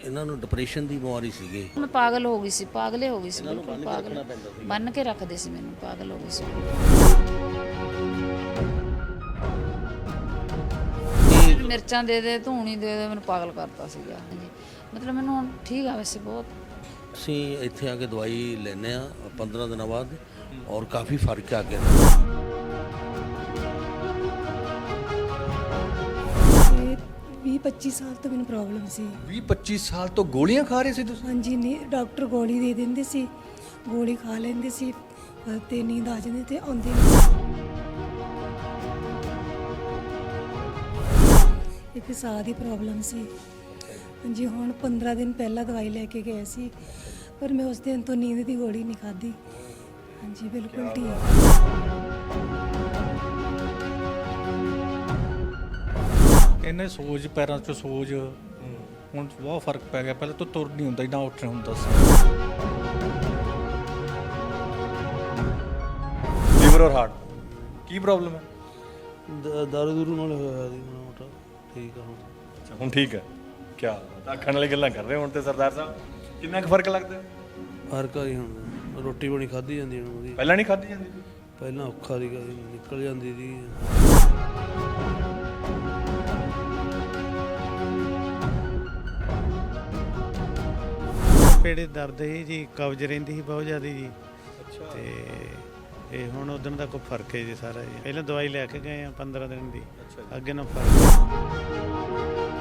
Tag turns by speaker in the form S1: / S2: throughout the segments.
S1: ਇਹਨਾਂ ਨੂੰ ਡਿਪਰੈਸ਼ਨ ਦੀ ਬਿਮਾਰੀ ਸੀਗੀ।
S2: ਮੈਂ ਪਾਗਲ ਹੋ ਗਈ ਸੀ, ਪਾਗਲੇ ਹੋ ਗਈ ਸੀ, ਬਿਲਕੁਲ ਪਾਗਲ ਬੰਨ ਕੇ ਰੱਖਦੇ ਸੀ ਮੈਨੂੰ, ਪਾਗਲ ਹੋ ਗਈ ਸੀ। ਮਿਰਚਾਂ ਦੇ ਦੇ, ਧੂਣੀ ਦੇ ਦੇ, ਮੈਨੂੰ ਪਾਗਲ ਕਰਤਾ ਸੀਗਾ। ਹਾਂਜੀ, ਮਤਲਬ ਮੈਨੂੰ ਹੁਣ ਠੀਕ ਆ ਵੈਸੇ ਬਹੁਤ।
S1: ਅਸੀਂ ਇੱਥੇ ਆ ਕੇ ਦਵਾਈ ਲੈਂਦੇ ਆ 15 ਦਿਨਾਂ ਬਾਅਦ ਔਰ ਕਾਫੀ ਫਰਕ ਆ ਗਿਆ।
S3: 20-25 ਸਾਲ ਤੋਂ ਮੈਨੂੰ ਪ੍ਰੋਬਲਮ ਸੀ।
S4: 20-25 ਸਾਲ ਤੋਂ ਗੋਲੀਆਂ ਖਾ ਰਹੇ ਸੀ ਤੁਸੀਂ?
S3: ਹਾਂਜੀ, ਨਹੀਂ ਡਾਕਟਰ ਗੋਲੀ ਦੇ ਦਿੰਦੇ ਸੀ, ਗੋਲੀ ਖਾ ਲੈਂਦੇ ਸੀ ਤੇ ਨੀਂਦ ਆ ਜਾਂਦੀ ਤੇ ਆਉਂਦੀ ਨਹੀਂ। ਇੱਕ ਸਾਹ ਦੀ ਪ੍ਰੋਬਲਮ ਸੀ। ਹਾਂਜੀ, ਹੁਣ 15 ਦਿਨ ਪਹਿਲਾਂ ਦਵਾਈ ਲੈ ਕੇ ਗਏ ਸੀ, ਪਰ ਮੈਂ ਉਸ ਦਿਨ ਤੋਂ ਨੀਂਦ ਦੀ ਗੋਲੀ ਨਹੀਂ ਖਾਧੀ। ਹਾਂਜੀ, ਬਿਲਕੁਲ ਠੀਕ।
S5: ਇਹਨੇ ਸੋਜ, ਪੈਰਾਂ 'ਚ ਸੋਜ, ਹੁਣ ਬਹੁਤ ਫਰਕ ਪੈ ਗਿਆ। ਪਹਿਲਾਂ ਤਾਂ ਤੁਰ ਨਹੀਂ ਹੁੰਦਾ, ਨਾ ਉੱਠ ਹੁੰਦਾ ਸੀ।
S4: ਲੀਵਰ ਔਰ ਹਾਰਟ ਕੀ ਪ੍ਰੋਬਲਮ ਹੈ?
S1: ਦਾਰੂ ਦੂਰੂ ਨਾਲ ਹੋਇਆ ਸੀ ਮਾੜਾ ਮੋਟਾ, ਠੀਕ ਆ ਹੁਣ।
S4: ਅੱਛਾ, ਹੁਣ ਠੀਕ ਹੈ। ਕਿਆ ਆਖਣ ਵਾਲੀ ਗੱਲਾਂ ਕਰ ਰਹੇ ਹੁਣ ਤੇ ਸਰਦਾਰ ਸਾਹਿਬ, ਕਿੰਨਾ ਕੁ ਫਰਕ ਲੱਗਦਾ?
S1: ਫਰਕ ਆ ਜੀ ਹੁਣ, ਰੋਟੀ ਬਣੀ ਖਾਧੀ ਜਾਂਦੀ ਹੁਣ ਉਹਦੀ।
S4: ਪਹਿਲਾਂ ਨਹੀਂ ਖਾਧੀ ਜਾਂਦੀ?
S1: ਪਹਿਲਾਂ ਔਖਾ ਸੀਗਾ ਜੀ, ਨਿਕਲ ਜਾਂਦੀ ਸੀ।
S6: ਪੇੜੇ ਦਰਦ ਸੀ ਜੀ, ਕਬਜ਼ ਰਹਿੰਦੀ ਸੀ ਬਹੁਤ ਜ਼ਿਆਦਾ ਜੀ। ਤੇ ਇਹ ਹੁਣ ਉਦੋਂ ਦਾ ਕੋਈ ਫਰਕ ਹੈ ਜੀ ਸਾਰਾ ਜੀ। ਪਹਿਲਾਂ ਦਵਾਈ ਲੈ ਕੇ ਗਏ ਆ 15 ਦਿਨ ਦੀ, ਅੱਗੇ ਨਾ ਫਰਕ।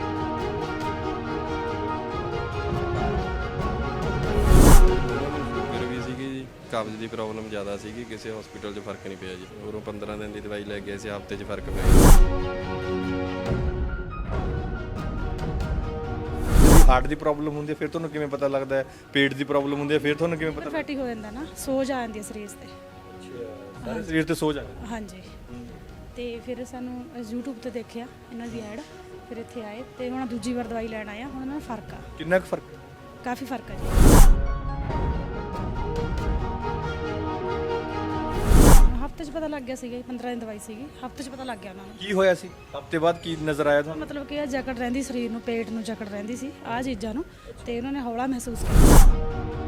S7: ਸ਼ੂਗਰ ਵੀ ਸੀਗੀ ਜੀ, ਕਬਜ਼ ਦੀ ਪ੍ਰੋਬਲਮ ਜ਼ਿਆਦਾ ਸੀਗੀ, ਕਿਸੇ ਹਸਪੀਟਲ 'ਚ ਫਰਕ ਨਹੀਂ ਪਿਆ ਜੀ। ਉਰੋਂ 15 ਦਿਨ ਦੀ ਦਵਾਈ ਲੈ ਗਏ ਸੀ, ਹਫ਼ਤੇ 'ਚ ਫਰਕ ਪਿਆ ਜੀ।
S4: ਹਾਰਟ ਦੀ ਪ੍ਰੋਬਲਮ ਹੁੰਦੀ ਹੈ ਫਿਰ ਤੁਹਾਨੂੰ ਕਿਵੇਂ ਪਤਾ ਲੱਗਦਾ ਹੈ? ਪੇਟ ਦੀ ਪ੍ਰੋਬਲਮ ਹੁੰਦੀ ਹੈ ਫਿਰ ਤੁਹਾਨੂੰ ਕਿਵੇਂ ਪਤਾ?
S3: ਫੈਟੀ ਹੋ ਜਾਂਦਾ ਨਾ, ਸੋਜ ਆ ਜਾਂਦੀ ਹੈ ਸਰੀਰ ਤੇ।
S4: ਸਾਰੇ ਸਰੀਰ ਤੇ ਸੋਜ ਆ ਜਾਂਦੀ?
S3: ਹਾਂਜੀ, ਤੇ ਫਿਰ ਸਾਨੂੰ YouTube ਤੇ ਦੇਖਿਆ ਇਹਨਾਂ ਦੀ ਐਡ, ਫਿਰ ਇੱਥੇ ਆਏ ਤੇ ਹੁਣ ਦੂਜੀ ਵਾਰ ਦਵਾਈ ਲੈਣ ਆਇਆ। ਹੁਣ ਇਹਨਾਂ ਨੂੰ ਫਰਕ ਆ,
S4: ਕਿੰਨਾ ਕੁ ਫਰਕ?
S3: ਕਾਫੀ ਫਰਕ ਆ ਜੀ। ਹਫ਼ਤੇ 'ਚ ਪਤਾ ਲੱਗ ਗਿਆ ਸੀਗਾ, 15 ਦਿਨ ਦਵਾਈ ਸੀਗੀ, ਹਫ਼ਤੇ 'ਚ ਪਤਾ ਲੱਗ ਗਿਆ ਉਹਨਾਂ ਨੂੰ।
S4: ਕੀ ਹੋਇਆ ਸੀ? ਹਫ਼ਤੇ ਬਾਅਦ ਕੀ ਨਜ਼ਰ ਆਇਆ ਤੁਹਾਨੂੰ?
S3: ਮਤਲਬ ਕਿ ਇਹ ਜਕੜ ਰਹਿੰਦੀ ਸਰੀਰ ਨੂੰ, ਪੇਟ ਨੂੰ ਜਕੜ ਰਹਿੰਦੀ ਸੀ ਆਹ ਚੀਜ਼ਾਂ ਨੂੰ, ਤੇ ਉਹਨਾਂ ਨੇ ਹੌਲਾ ਮਹਿਸੂਸ ਕੀਤਾ।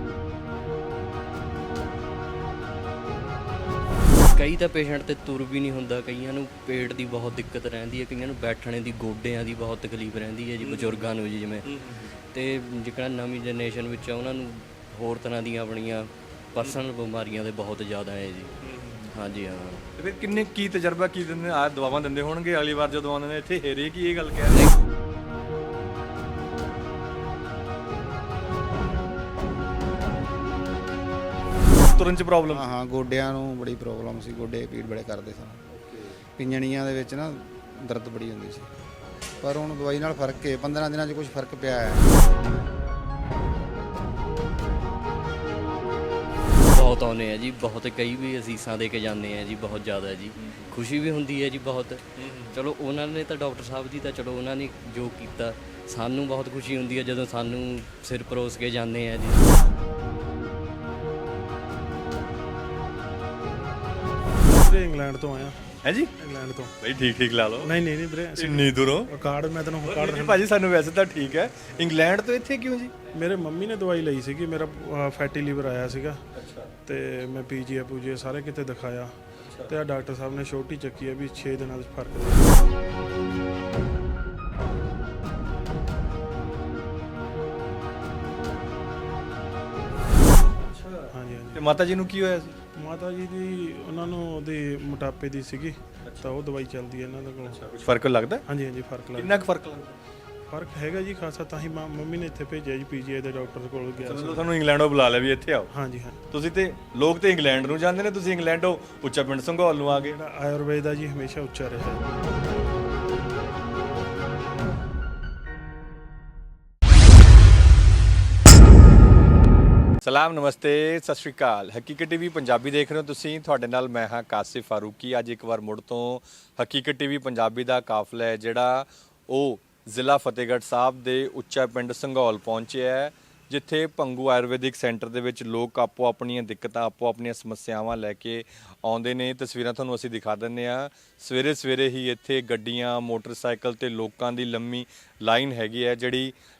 S8: ਕਈ ਤਾਂ ਪੇਸ਼ੈਂਟ ਤੇ ਤੁਰ ਵੀ ਨਹੀਂ ਹੁੰਦਾ, ਕਈਆਂ ਨੂੰ ਪੇਟ ਦੀ ਬਹੁਤ ਦਿੱਕਤ ਰਹਿੰਦੀ ਹੈ, ਕਈਆਂ ਨੂੰ ਬੈਠਣੇ ਦੀ, ਗੋਡਿਆਂ ਦੀ ਬਹੁਤ ਤਕਲੀਫ ਰਹਿੰਦੀ ਹੈ ਜੀ, ਬਜ਼ੁਰਗਾਂ ਨੂੰ ਜੀ ਜਿਵੇਂ। ਤੇ ਜਿਹੜਾ ਨਵੀਂ ਜਨਰੇਸ਼ਨ ਵਿੱਚ ਆ ਉਹਨਾਂ ਨੂੰ ਹੋਰ ਤਰ੍ਹਾਂ ਦੀਆਂ ਆਪਣੀਆਂ ਪਰਸਨਲ ਬਿਮਾਰੀਆਂ ਦੇ ਬਹੁਤ ਜ਼ਿਆਦਾ ਹੈ ਜੀ। ਹਾਂਜੀ ਹਾਂ।
S4: ਤੇ ਫਿਰ ਕਿੰਨੇ ਕੀ ਤਜਰਬਾ ਕੀ ਦਿੰਦੇ ਆ? ਦਵਾਵਾਂ ਦਿੰਦੇ ਹੋਣਗੇ ਅਗਲੀ ਵਾਰ ਜਦੋਂ ਆਉਂਦੇ ਨੇ ਇੱਥੇ, ਹੇਰੇ ਕੀ ਇਹ ਗੱਲ ਕਹਿ ਰਹੇ? ਤੁਰਨ 'ਚ ਪ੍ਰੋਬਲਮ?
S9: ਹਾਂ, ਗੋਡਿਆਂ ਨੂੰ ਬੜੀ ਪ੍ਰੋਬਲਮ ਸੀ, ਗੋਡੇ ਪੀੜ ਬੜੇ ਕਰਦੇ ਸਨ। ਪਿੰਜਣੀਆਂ ਦੇ ਵਿੱਚ ਨਾ ਦਰਦ ਬੜੀ ਹੁੰਦੀ ਸੀ, ਪਰ ਹੁਣ ਦਵਾਈ ਨਾਲ ਫਰਕ ਹੈ। 15 ਦਿਨਾਂ 'ਚ ਕੁਝ ਫਰਕ ਪਿਆ ਹੈ।
S8: ਬਹੁਤ ਆਉਂਦੇ ਆ ਜੀ, ਬਹੁਤ, ਕਈ ਵੀ ਅਸੀਸਾਂ ਦੇ ਕੇ ਜਾਂਦੇ ਆ ਜੀ, ਬਹੁਤ ਜ਼ਿਆਦਾ ਜੀ। ਖੁਸ਼ੀ ਵੀ ਹੁੰਦੀ ਹੈ ਜੀ ਬਹੁਤ। ਚਲੋ ਉਹਨਾਂ ਨੇ ਤਾਂ ਡਾਕਟਰ ਸਾਹਿਬ ਦੀ ਤਾਂ ਚਲੋ ਉਹਨਾਂ ਨੇ ਜੋ ਕੀਤਾ, ਸਾਨੂੰ ਬਹੁਤ ਖੁਸ਼ੀ ਹੁੰਦੀ ਹੈ ਜਦੋਂ ਸਾਨੂੰ ਸਿਰ ਪਰੋਸ ਕੇ ਜਾਂਦੇ ਆ ਜੀ।
S5: ਇੰਗਲੈਂਡ ਤੋਂ ਆਇਆ।
S4: ਹੈ ਜੀ?
S5: ਇੰਗਲੈਂਡ ਤੋਂ।
S4: ਬਈ ਠੀਕ ਲਾ ਲਓ।
S5: ਨਹੀਂ ਵੀਰੇ,
S4: ਇੰਨੀ ਦੂਰੋਂ
S5: ਕਾਰਡ ਮੈਂ ਤੈਨੂੰ ਕਾਰਡ।
S4: ਭਾਜੀ ਸਾਨੂੰ ਵੈਸੇ ਤਾਂ ਠੀਕ ਹੈ, ਇੰਗਲੈਂਡ ਤੋਂ ਇੱਥੇ ਕਿਉਂ ਜੀ?
S5: ਮੇਰੇ ਮੰਮੀ ਨੇ ਦਵਾਈ ਲਈ ਸੀਗੀ, ਮੇਰਾ ਫੈਟੀ ਲੀਵਰ ਆਇਆ ਸੀਗਾ। ਤੇ ਮੈਂ ਪੀਜੀਏ ਸਾਰੇ ਕਿਤੇ ਦਿਖਾਇਆ, ਤੇ ਆ ਡਾਕਟਰ ਸਾਹਿਬ ਨੇ ਛੋਟੀ ਚੱਕੀ ਆ ਵੀ 6 ਦਿਨਾਂ ਦਾ ਫਰਕ ਹੈ। ਹਾਂਜੀ।
S4: ਤੇ ਮਾਤਾ ਜੀ ਨੂੰ ਕੀ ਹੋਇਆ ਸੀ?
S5: ਮਾਤਾ ਜੀ ਦੀ, ਉਹਨਾਂ ਨੂੰ ਉਹਦੇ ਮੋਟਾਪੇ ਦੀ ਸੀਗੀ, ਤਾਂ ਉਹ ਦਵਾਈ ਚੱਲਦੀ ਹੈ ਇਹਨਾਂ ਦੇ ਕੋਲ।
S4: ਕੁਝ ਫਰਕ ਲੱਗਦਾ?
S5: ਹਾਂਜੀ ਫਰਕ ਲੱਗਦਾ।
S4: ਕਿੰਨਾ ਕੁ ਫਰਕ ਲੱਗਦਾ?
S5: ਫਰਕ ਹੈਗਾ ਜੀ ਖਾਸਾ, ਤਾਂ ਹੀ ਮੰਮੀ ਨੇ ਇੱਥੇ ਭੇਜਿਆ ਜੀ, ਪੀਜੀਆਈ ਦੇ ਡਾਕਟਰ ਕੋਲ ਗਿਆ ਸੀ।
S4: ਚਲੋ ਤੁਹਾਨੂੰ ਇੰਗਲੈਂਡੋਂ ਬੁਲਾ ਲਿਆ ਵੀ ਇੱਥੇ ਆਓ।
S5: ਹਾਂਜੀ।
S4: ਤੁਸੀਂ ਤੇ ਲੋਕ ਤੇ ਇੰਗਲੈਂਡ ਨੂੰ ਜਾਂਦੇ ਨੇ, ਤੁਸੀਂ ਇੰਗਲੈਂਡੋਂ ਉੱਚਾ ਪਿੰਡ ਸੰਘੌਲ ਨੂੰ ਆ ਗਏ।
S5: ਜਿਹੜਾ ਆਯੁਰਵੇਦ ਦਾ ਜੀ ਹਮੇਸ਼ਾ ਉੱਚਾ ਰਿਹਾ।
S4: ਸਲਾਮ, ਨਮਸਤੇ, ਸਤਿ ਸ਼੍ਰੀ ਅਕਾਲ। ਹਕੀਕਤ ਟੀਵੀ ਪੰਜਾਬੀ ਦੇਖ ਰਹੇ ਹੋ ਤੁਸੀਂ, ਤੁਹਾਡੇ ਨਾਲ ਮੈਂ ਹਾਂ ਕਾਸਿਫ ਫਾਰੂਕੀ। ਅੱਜ ਇੱਕ ਵਾਰ ਮੁੜ ਤੋਂ ਹਕੀਕਤ ਟੀਵੀ ਪੰਜਾਬੀ ਦਾ ਕਾਫਲਾ ਹੈ ਜਿਹੜਾ ਉਹ ਜ਼ਿਲ੍ਹਾ ਫਤਿਹਗੜ੍ਹ ਸਾਹਿਬ ਦੇ ਉੱਚਾ ਪਿੰਡ ਸੰਘੌਲ ਪਹੁੰਚਿਆ ਹੈ, ਜਿੱਥੇ ਭੰਗੂ ਆਯੁਰਵੈਦਿਕ ਸੈਂਟਰ ਦੇ ਵਿੱਚ ਲੋਕ ਆਪੋ ਆਪਣੀਆਂ ਦਿੱਕਤਾਂ, ਆਪੋ ਆਪਣੀਆਂ ਸਮੱਸਿਆਵਾਂ ਲੈ ਕੇ ਆਉਂਦੇ ਨੇ। ਤਸਵੀਰਾਂ ਤੁਹਾਨੂੰ ਅਸੀਂ ਦਿਖਾ ਦਿੰਦੇ ਹਾਂ। ਸਵੇਰੇ ਸਵੇਰੇ ਹੀ ਇੱਥੇ ਗੱਡੀਆਂ, ਮੋਟਰਸਾਈਕਲ ਤੇ ਲੋਕਾਂ ਦੀ ਲੰਮੀ ਲਾਈਨ ਹੈਗੀ ਹੈ, ਜਿਹੜੀ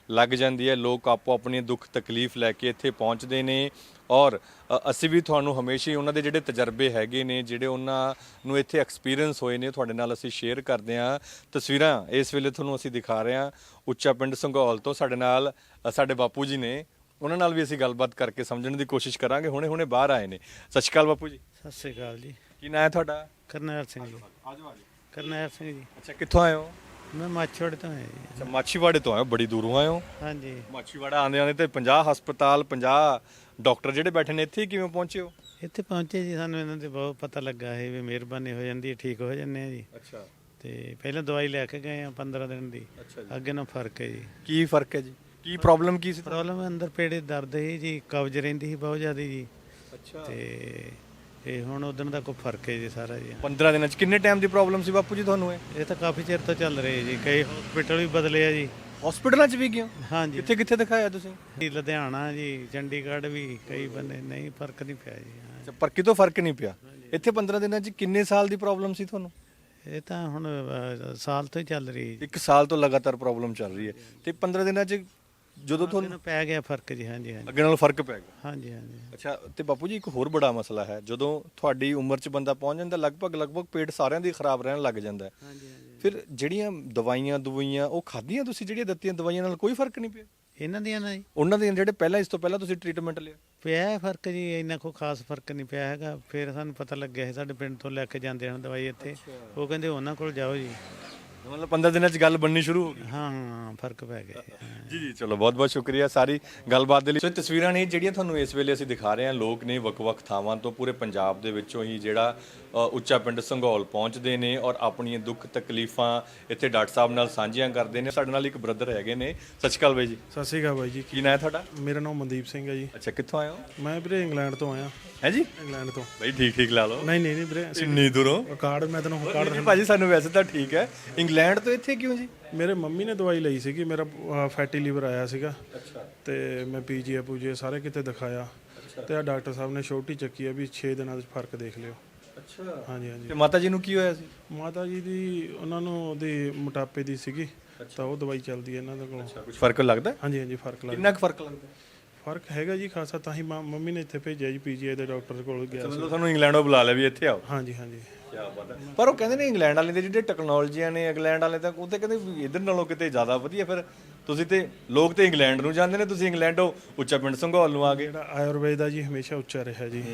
S4: ਲੱਗ ਜਾਂਦੀ ਹੈ। ਲੋਕ ਆਪੋ ਆਪਣੀ ਦੁੱਖ ਤਕਲੀਫ ਲੈ ਕੇ ਇੱਥੇ ਪਹੁੰਚਦੇ ਨੇ ਔਰ ਅਸੀਂ ਵੀ ਤੁਹਾਨੂੰ ਹਮੇਸ਼ਾ ਹੀ ਉਹਨਾਂ ਦੇ ਜਿਹੜੇ ਤਜਰਬੇ ਹੈਗੇ ਨੇ, ਜਿਹੜੇ ਉਹਨਾਂ ਨੂੰ ਇੱਥੇ ਐਕਸਪੀਰੀਅੰਸ ਹੋਏ ਨੇ, ਤੁਹਾਡੇ ਨਾਲ ਅਸੀਂ ਸ਼ੇਅਰ ਕਰਦੇ ਹਾਂ। ਤਸਵੀਰਾਂ ਇਸ ਵੇਲੇ ਤੁਹਾਨੂੰ ਅਸੀਂ ਦਿਖਾ ਰਹੇ ਹਾਂ ਉੱਚਾ ਪਿੰਡ ਸੰਘੌਲ ਤੋਂ। ਸਾਡੇ ਨਾਲ ਸਾਡੇ ਬਾਪੂ ਜੀ ਨੇ, ਉਹਨਾਂ ਨਾਲ ਵੀ ਅਸੀਂ ਗੱਲਬਾਤ ਕਰਕੇ ਸਮਝਣ ਦੀ ਕੋਸ਼ਿਸ਼ ਕਰਾਂਗੇ। ਹੁਣੇ ਬਾਹਰ ਆਏ ਨੇ। ਸਤਿ ਸ਼੍ਰੀ ਅਕਾਲ ਬਾਪੂ ਜੀ।
S6: ਸਤਿ ਸ੍ਰੀ ਅਕਾਲ ਜੀ।
S4: ਕੀ ਨਾਂ ਹੈ ਤੁਹਾਡਾ?
S6: ਕਰਨੈਲ ਸਿੰਘ ਜੀ।
S4: ਆਜੋ ਆਜੋ।
S6: ਕਰਨੈਲ ਸਿੰਘ ਜੀ।
S4: ਅੱਛਾ, ਕਿੱਥੋਂ ਆਏ ਹੋ?
S6: ਮੈਂ ਮਾਛੋੜੇ ਤੋਂ ਆਇਆ ਜੀ।
S4: ਅੱਛਾ, ਮਾਛੀਵਾੜੇ ਤੋਂ ਆਏ ਹੋ, ਬੜੀ ਦੂਰੋਂ ਆਏ ਹੋ।
S6: ਹਾਂਜੀ।
S4: ਮਾਛੀਵਾੜਾ ਆਉਂਦੇ ਤੇ 50 ਹਸਪਤਾਲ 50 ਡਾਕਟਰ ਜਿਹੜੇ ਬੈਠੇ ਨੇ, ਇੱਥੇ ਕਿਵੇਂ ਪਹੁੰਚੇ ਹੋ?
S6: ਇੱਥੇ ਪਹੁੰਚੇ ਜੀ, ਸਾਨੂੰ ਇਹਨਾਂ ਤੇ ਬਹੁਤ ਪਤਾ ਲੱਗਾ ਹੈ ਵੀ ਮਿਹਰਬਾਨੀ ਹੋ ਜਾਂਦੀ ਹੈ, ਠੀਕ ਹੋ ਜਾਂਦੇ ਆ ਜੀ।
S4: ਅੱਛਾ।
S6: ਤੇ ਪਹਿਲਾਂ ਦਵਾਈ ਲੈ ਕੇ ਗਏ ਆ 15 ਦਿਨ ਦੀ। ਅੱਗੇ ਨਾਲ ਫਰਕ ਹੈ ਜੀ।
S4: ਕੀ ਫਰਕ ਹੈ ਜੀ? ਕੀ ਪ੍ਰੋਬਲਮ ਕੀ ਸੀ?
S6: ਪ੍ਰੋਬਲਮ ਅੰਦਰ ਪੇੜੇ ਦਰਦ ਸੀ ਜੀ, ਕਬਜ਼ ਰਹਿੰਦੀ ਸੀ ਬਹੁਤ ਜ਼ਿਆਦਾ ਜੀ।
S4: ਅੱਛਾ।
S6: ਤੇ ਇਹ ਹੁਣ ਉਦੋਂ ਦਾ ਕੋਈ ਫਰਕ ਹੈ ਜੀ ਸਾਰਾ ਜੀ।
S4: 15 ਦਿਨਾਂ ਚ ਕਿੰਨੇ ਟਾਈਮ ਦੀ ਪ੍ਰੋਬਲਮ ਸੀ ਬਾਪੂ ਜੀ ਤੁਹਾਨੂੰ?
S6: ਇਹ ਤਾਂ ਕਾਫੀ ਚਿਰ ਤੋਂ ਚੱਲ ਰਹੀ ਹੈ ਜੀ। ਕਈ ਹਸਪੀਟਲ ਵੀ ਬਦਲੇ ਆ ਜੀ।
S4: ਹਸਪੀਟਲਾਂ ਚ ਵੀ ਗਏ?
S6: ਹਾਂਜੀ।
S4: ਕਿੱਥੇ ਕਿੱਥੇ ਦਿਖਾਇਆ ਤੁਸੀਂ?
S6: ਲੁਧਿਆਣਾ ਜੀ, ਚੰਡੀਗੜ੍ਹ ਵੀ, ਕਈ ਬੰਦੇ ਨਹੀਂ ਫਰਕ ਨਹੀਂ ਪਿਆ ਜੀ।
S4: ਅੱਛਾ, ਪਰ ਕਿਤੋਂ ਫਰਕ ਨਹੀਂ ਪਿਆ। ਇੱਥੇ 15 ਦਿਨਾਂ ਚ ਕਿੰਨੇ ਸਾਲ ਦੀ ਪ੍ਰੋਬਲਮ ਸੀ ਤੁਹਾਨੂੰ?
S6: ਇਹ ਤਾਂ ਹੁਣ ਸਾਲ ਤੋਂ ਹੀ ਚੱਲ ਰਹੀ ਹੈ ਜੀ।
S4: 1 ਸਾਲ ਤੋਂ ਲਗਾਤਾਰ ਪ੍ਰੋਬਲਮ ਚੱਲ ਰਹੀ ਹੈ ਤੇ 15 ਦਿਨਾਂ ਚ ਜਦੋਂ ਤੁਹਾਨੂੰ
S6: ਪੈ ਗਿਆ ਫਰਕ ਜੀ। ਹਾਂਜੀ ਹਾਂਜੀ।
S4: ਅੱਗੇ ਨਾਲੋਂ ਫਰਕ ਪੈ ਗਿਆ?
S6: ਹਾਂਜੀ ਹਾਂਜੀ।
S4: ਅੱਛਾ, ਤੇ ਬਾਪੂ ਜੀ ਇੱਕ ਹੋਰ ਬੜਾ ਮਸਲਾ ਹੈ, ਜਦੋਂ ਤੁਹਾਡੀ ਉਮਰ 'ਚ ਬੰਦਾ ਪਹੁੰਚ ਜਾਂਦਾ ਲਗਭਗ ਪੇਟ ਸਾਰਿਆਂ ਦੀ ਖਰਾਬ ਰਹਿਣ ਲੱਗ ਜਾਂਦਾ ਹੈ।
S6: ਹਾਂਜੀ ਹਾਂਜੀ।
S4: ਫਿਰ ਜਿਹੜੀਆਂ ਦਵਾਈਆਂ ਉਹ ਖਾਧੀਆਂ ਤੁਸੀਂ, ਜਿਹੜੀਆਂ ਦਿੱਤੀਆਂ ਦਵਾਈਆਂ ਨਾਲ ਕੋਈ ਫਰਕ ਨਹੀਂ ਪਿਆ?
S6: ਇਹਨਾਂ ਦੀਆਂ ਨਾ ਜੀ
S4: ਉਹਨਾਂ ਦੇ ਜਿਹੜੇ ਪਹਿਲਾਂ, ਇਸ ਤੋਂ ਪਹਿਲਾਂ ਤੁਸੀਂ ਟ੍ਰੀਟਮੈਂਟ ਲਿਆ?
S6: ਪਿਆ ਫਰਕ ਜੀ, ਇੰਨਾ ਕੋਈ ਖਾਸ ਫਰਕ ਨਹੀਂ ਪਿਆ ਹੈਗਾ। ਫਿਰ ਸਾਨੂੰ ਪਤਾ ਲੱਗਿਆ ਸੀ, ਸਾਡੇ ਪਿੰਡ ਤੋਂ ਲੈ ਕੇ ਜਾਂਦੇ ਹਨ ਦਵਾਈ ਇੱਥੇ। ਉਹ ਕਹਿੰਦੇ ਉਹਨਾਂ ਕੋਲ ਜਾਓ ਜੀ।
S4: ਮਤਲਬ 15 ਦਿਨਾਂ 'ਚ ਗੱਲ ਬਣਨੀ ਸ਼ੁਰੂ ਹੋ ਗਈ?
S6: ਹਾਂ, ਫਰਕ ਪੈ ਗਿਆ
S4: ਜੀ ਜੀ। ਚਲੋ, ਬਹੁਤ ਬਹੁਤ ਸ਼ੁਕਰੀਆ ਸਾਰੀ ਗੱਲਬਾਤ ਦੇ ਲਈ। ਸੋ ਤਸਵੀਰਾਂ ਨੇ ਜਿਹੜੀਆਂ ਤੁਹਾਨੂੰ ਇਸ ਵੇਲੇ ਅਸੀਂ ਦਿਖਾ ਰਹੇ ਹਾਂ, ਲੋਕ ਨੇ ਵੱਖ-ਵੱਖ ਥਾਵਾਂ ਤੋਂ ਪੂਰੇ ਪੰਜਾਬ ਦੇ ਵਿੱਚੋਂ ਹੀ ਜਿਹੜਾ ਉੱਚਾ ਪਿੰਡ ਸੰਘੌਲ ਪਹੁੰਚਦੇ ਨੇ ਔਰ ਆਪਣੀਆਂ ਦੁੱਖ ਤਕਲੀਫਾਂ ਇੱਥੇ ਡਾਕਟਰ ਸਾਹਿਬ ਨਾਲ ਸਾਂਝੀਆਂ ਕਰਦੇ ਨੇ। ਸਾਡੇ ਨਾਲ ਇੱਕ ਬ੍ਰਦਰ ਹੈਗੇ ਨੇ। ਸਤਿ ਸ਼੍ਰੀ ਅਕਾਲ ਬਾਈ ਜੀ।
S5: ਸਤਿ ਸ਼੍ਰੀ ਅਕਾਲ ਬਾਈ ਜੀ।
S4: ਕੀ ਨਾਂ ਹੈ ਤੁਹਾਡਾ?
S5: ਮੇਰਾ ਨਾਮ ਮਨਦੀਪ ਸਿੰਘ ਹੈ ਜੀ।
S4: ਅੱਛਾ, ਕਿੱਥੋਂ ਆਏ ਹੋ?
S5: ਮੈਂ ਵੀਰੇ ਇੰਗਲੈਂਡ ਤੋਂ ਆਇਆ।
S4: ਹੈ ਜੀ?
S5: ਇੰਗਲੈਂਡ ਤੋਂ।
S4: ਬਾਈ ਠੀਕ ਲਾ ਲਓ।
S5: ਨਹੀਂ ਵੀਰੇ,
S4: ਇੰਨੀ ਦੂਰੋਂ
S5: ਕਾਰਡ ਮੈਂ ਤੈਨੂੰ ਕਾਰਡ
S4: ਨਹੀਂ ਭਾਜੀ, ਸਾਨੂੰ ਵੈਸੇ ਤਾਂ ਠੀਕ ਹੈ। ਇੰਗਲੈਂਡ ਤੋਂ ਇੱਥੇ ਕਿਉਂ ਜੀ?
S5: ਮੇਰੇ ਮੰਮੀ ਨੇ ਦਵਾਈ ਲਈ ਸੀਗੀ, ਮੇਰਾ ਫੈਟੀ ਲੀਵਰ ਆਇਆ ਸੀਗਾ।
S4: ਅੱਛਾ।
S5: ਤੇ ਮੈਂ ਪੀਜੀਏ ਸਾਰੇ ਕਿਤੇ ਦਿਖਾਇਆ ਤੇ ਆ ਡਾਕਟਰ ਸਾਹਿਬ ਨੇ ਛੋਟੀ ਚੱਕੀ ਹੈ ਵੀ 6 ਦਿਨਾਂ ਵਿੱਚ ਫਰਕ ਦੇਖ ਲਿਓ।
S4: ਅੱਛਾ।
S5: ਹਾਂਜੀ ਹਾਂਜੀ।
S4: ਤੇ ਮਾਤਾ ਜੀ ਨੂੰ ਕੀ ਹੋਇਆ ਸੀ?
S5: ਮਾਤਾ ਜੀ ਦੀ ਉਹਨਾਂ ਨੂੰ ਉਹਦੀ ਮੋਟਾਪੇ ਦੀ ਸੀਗੀ, ਤਾਂ ਉਹ ਦਵਾਈ ਚੱਲਦੀ ਹੈ ਇਹਨਾਂ ਦੇ ਕੋਲ।
S4: ਕੁਝ ਫਰਕ ਲੱਗਦਾ?
S5: ਹਾਂਜੀ ਹਾਂਜੀ, ਫਰਕ ਲੱਗਦਾ।
S4: ਕਿੰਨਾ ਕੁ ਫਰਕ ਲੱਗਦਾ?
S5: ਫਰਕ ਹੈਗਾ ਜੀ ਖਾਸਾ, ਤਾਂ ਹੀ ਮੰਮੀ ਨੇ ਇੱਥੇ ਭੇਜਿਆ ਜੀ, ਪੀਜੀਆਈ ਦੇ ਡਾਕਟਰ ਕੋਲ ਗਿਆ ਸੀ।
S4: ਮਤਲਬ ਤੁਹਾਨੂੰ ਇੰਗਲੈਂਡੋਂ ਬੁਲਾ ਲਿਆ ਵੀ ਇੱਥੇ ਆਓ?
S5: ਹਾਂਜੀ ਹਾਂਜੀ।
S4: ਕੀ ਬਾਤ ਹੈ। ਪਰ ਉਹ ਕਹਿੰਦੇ ਨੇ ਇੰਗਲੈਂਡ ਵਾਲੇ ਦੇ ਜਿਹੜੇ ਟੈਕਨੋਲੋਜੀਆਂ ਨੇ, ਇੰਗਲੈਂਡ ਵਾਲੇ ਤਾਂ ਉਹ ਤੇ ਕਹਿੰਦੇ ਵੀ ਇੱਧਰ ਨਾਲੋਂ ਕਿਤੇ ਜ਼ਿਆਦਾ ਵਧੀਆ। ਫਿਰ ਤੁਸੀਂ ਤੇ ਲੋਕ ਤੇ ਇੰਗਲੈਂਡ ਨੂੰ ਜਾਂਦੇ ਨੇ, ਤੁਸੀਂ ਇੰਗਲੈਂਡੋਂ ਉੱਚਾ ਪਿੰਡ ਸੰਘੌਲ ਨੂੰ ਆ ਗਏ।
S5: ਜਿਹੜਾ ਆਯੁਰਵੇਦ ਦਾ ਜੀ ਹਮੇਸ਼ਾ ਉੱਚਾ ਰਿਹਾ ਜੀ।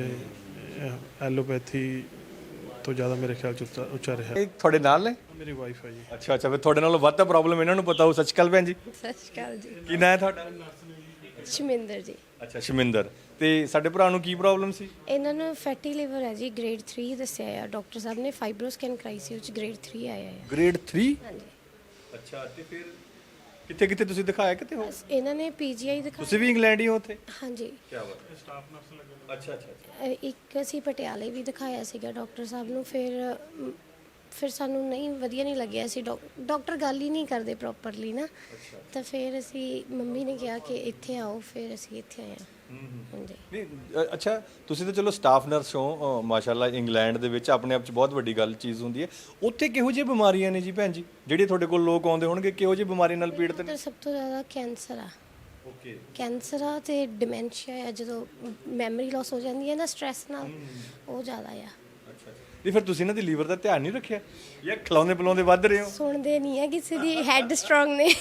S5: ਐਲੋਪੈਥੀ ਤੋਂ ਜ਼ਿਆਦਾ ਮੇਰੇ ਖਿਆਲ 'ਚ ਉੱਚਾ ਰਿਹਾ।
S4: ਇਹ ਤੁਹਾਡੇ ਨਾਲ ਨੇ?
S5: ਮੇਰੀ ਵਾਈਫ ਹੈ ਜੀ।
S4: ਅੱਛਾ ਫਿਰ ਤੁਹਾਡੇ ਨਾਲੋਂ ਵੱਧ ਤਾਂ ਪ੍ਰੋਬਲਮ ਇਹਨਾਂ ਨੂੰ ਪਤਾ ਹੋ। ਸਤਿ ਸ਼੍ਰੀ ਅਕਾਲ ਭੈਣ ਜੀ।
S10: ਸਤਿ ਸ਼੍ਰੀ ਅਕਾਲ ਜੀ।
S4: ਕੀ ਨਾਂ ਹੈ ਤੁਹਾਡਾ?
S10: ਸ਼ਮਿੰਦਰ ਜੀ।
S4: ਅੱਛਾ, ਸ਼ਮਿੰਦਰ। ਤੇ ਸਾਡੇ ਭਰਾ ਨੂੰ ਕੀ ਪ੍ਰੋਬਲਮ ਸੀ?
S10: ਇਹਨਾਂ ਨੂੰ ਫੈਟੀ ਲਿਵਰ ਹੈ ਜੀ, ਗ੍ਰੇਡ 3 ਦੱਸਿਆ ਆ ਡਾਕਟਰ ਸਾਹਿਬ ਨੇ। ਫਾਈਬਰੋ ਸਕੈਨ ਕਰਾਈ ਸੀ, ਉਹ 'ਚ ਗ੍ਰੇਡ 3 ਆਇਆ ਹੈ।
S4: ਗ੍ਰੇਡ 3?
S10: ਹਾਂਜੀ।
S4: ਅੱਛਾ, ਤੇ ਫਿਰ ਕਿੱਥੇ ਤੁਸੀਂ ਦਿਖਾਇਆ? ਕਿਤੇ ਹੋ?
S10: ਇਹਨਾਂ ਨੇ ਪੀਜੀਆਈ ਦਿਖਾਇਆ।
S4: ਤੁਸੀਂ ਵੀ ਇੰਗਲੈਂਡ ਹੀ ਹੋ ਉੱਥੇ?
S10: ਹਾਂਜੀ।
S4: ਕੀ ਬਾਤ ਹੈ। ਸਟਾਫ ਨਰਸ ਲੱਗੇ? ਅੱਛਾ।
S10: ਇੱਕ ਅਸੀਂ ਪਟਿਆਲੇ ਵੀ ਦਿਖਾਇਆ ਸੀਗਾ ਡਾਕਟਰ ਸਾਹਿਬ ਨੂੰ। ਫਿਰ ਸਾਨੂੰ ਨਹੀਂ ਵਧੀਆ ਨਹੀਂ ਲੱਗਿਆ ਸੀ। ਡਾਕਟਰ ਗੱਲ ਹੀ ਨਹੀਂ ਕਰਦੇ ਪ੍ਰੋਪਰਲੀ ਨਾ। ਤਾਂ ਫਿਰ ਅਸੀਂ ਮੰਮੀ ਨੇ ਕਿਹਾ ਕਿ ਇੱਥੇ ਆਓ, ਫਿਰ ਅਸੀਂ ਇੱਥੇ ਆਏ ਹਾਂ। ਹਾਂਜੀ।
S4: ਨਹੀਂ, ਅੱਛਾ, ਤੁਸੀਂ ਤਾਂ ਚਲੋ ਸਟਾਫ ਨਰਸ ਹੋ ਮਾਸ਼ਾਅੱਲਾ। ਇੰਗਲੈਂਡ ਦੇ ਵਿੱਚ ਆਪਣੇ ਆਪ 'ਚ ਬਹੁਤ ਵੱਡੀ ਗੱਲ ਚੀਜ਼ ਹੁੰਦੀ ਹੈ। ਉੱਥੇ ਕਿਹੋ ਜਿਹੀ ਬਿਮਾਰੀਆਂ ਨੇ ਜੀ ਭੈਣ ਜੀ, ਜਿਹੜੇ ਤੁਹਾਡੇ ਕੋਲ ਲੋਕ ਆਉਂਦੇ ਹੋਣਗੇ? ਕਿਹੋ ਜਿਹੀ ਬਿਮਾਰੀ ਨਾਲ ਪੀੜਤ ਨੇ?
S10: ਸਭ ਤੋਂ ਜ਼ਿਆਦਾ ਕੈਂਸਰ ਆ।
S4: ਓਕੇ।
S10: ਕੈਂਸਰ ਆ ਤੇ ਡਿਮੈਂਸ਼ੀਆ ਆ, ਜਦੋਂ ਮੈਮਰੀ ਲਾਸ ਹੋ ਜਾਂਦੀ ਹੈ ਨਾ ਸਟ੍ਰੈਸ ਨਾਲ, ਉਹ ਜ਼ਿਆਦਾ ਆ।
S4: ਅੱਛਾ। ਨਹੀਂ, ਫਿਰ ਤੁਸੀਂ ਇਹਨਾਂ ਦੀ ਲੀਵਰ ਦਾ ਧਿਆਨ ਨਹੀਂ ਰੱਖਿਆ ਜਾਂ ਖਿਲਾਉਂਦੇ ਪਿਲਾਉਂਦੇ ਵੱਧ ਰਹੇ ਹੋ?
S10: ਸੁਣਦੇ ਨਹੀਂ ਆ ਕਿਸੇ ਦੀ, ਹੈਡ ਸਟਰੋਂਗ ਨੇ।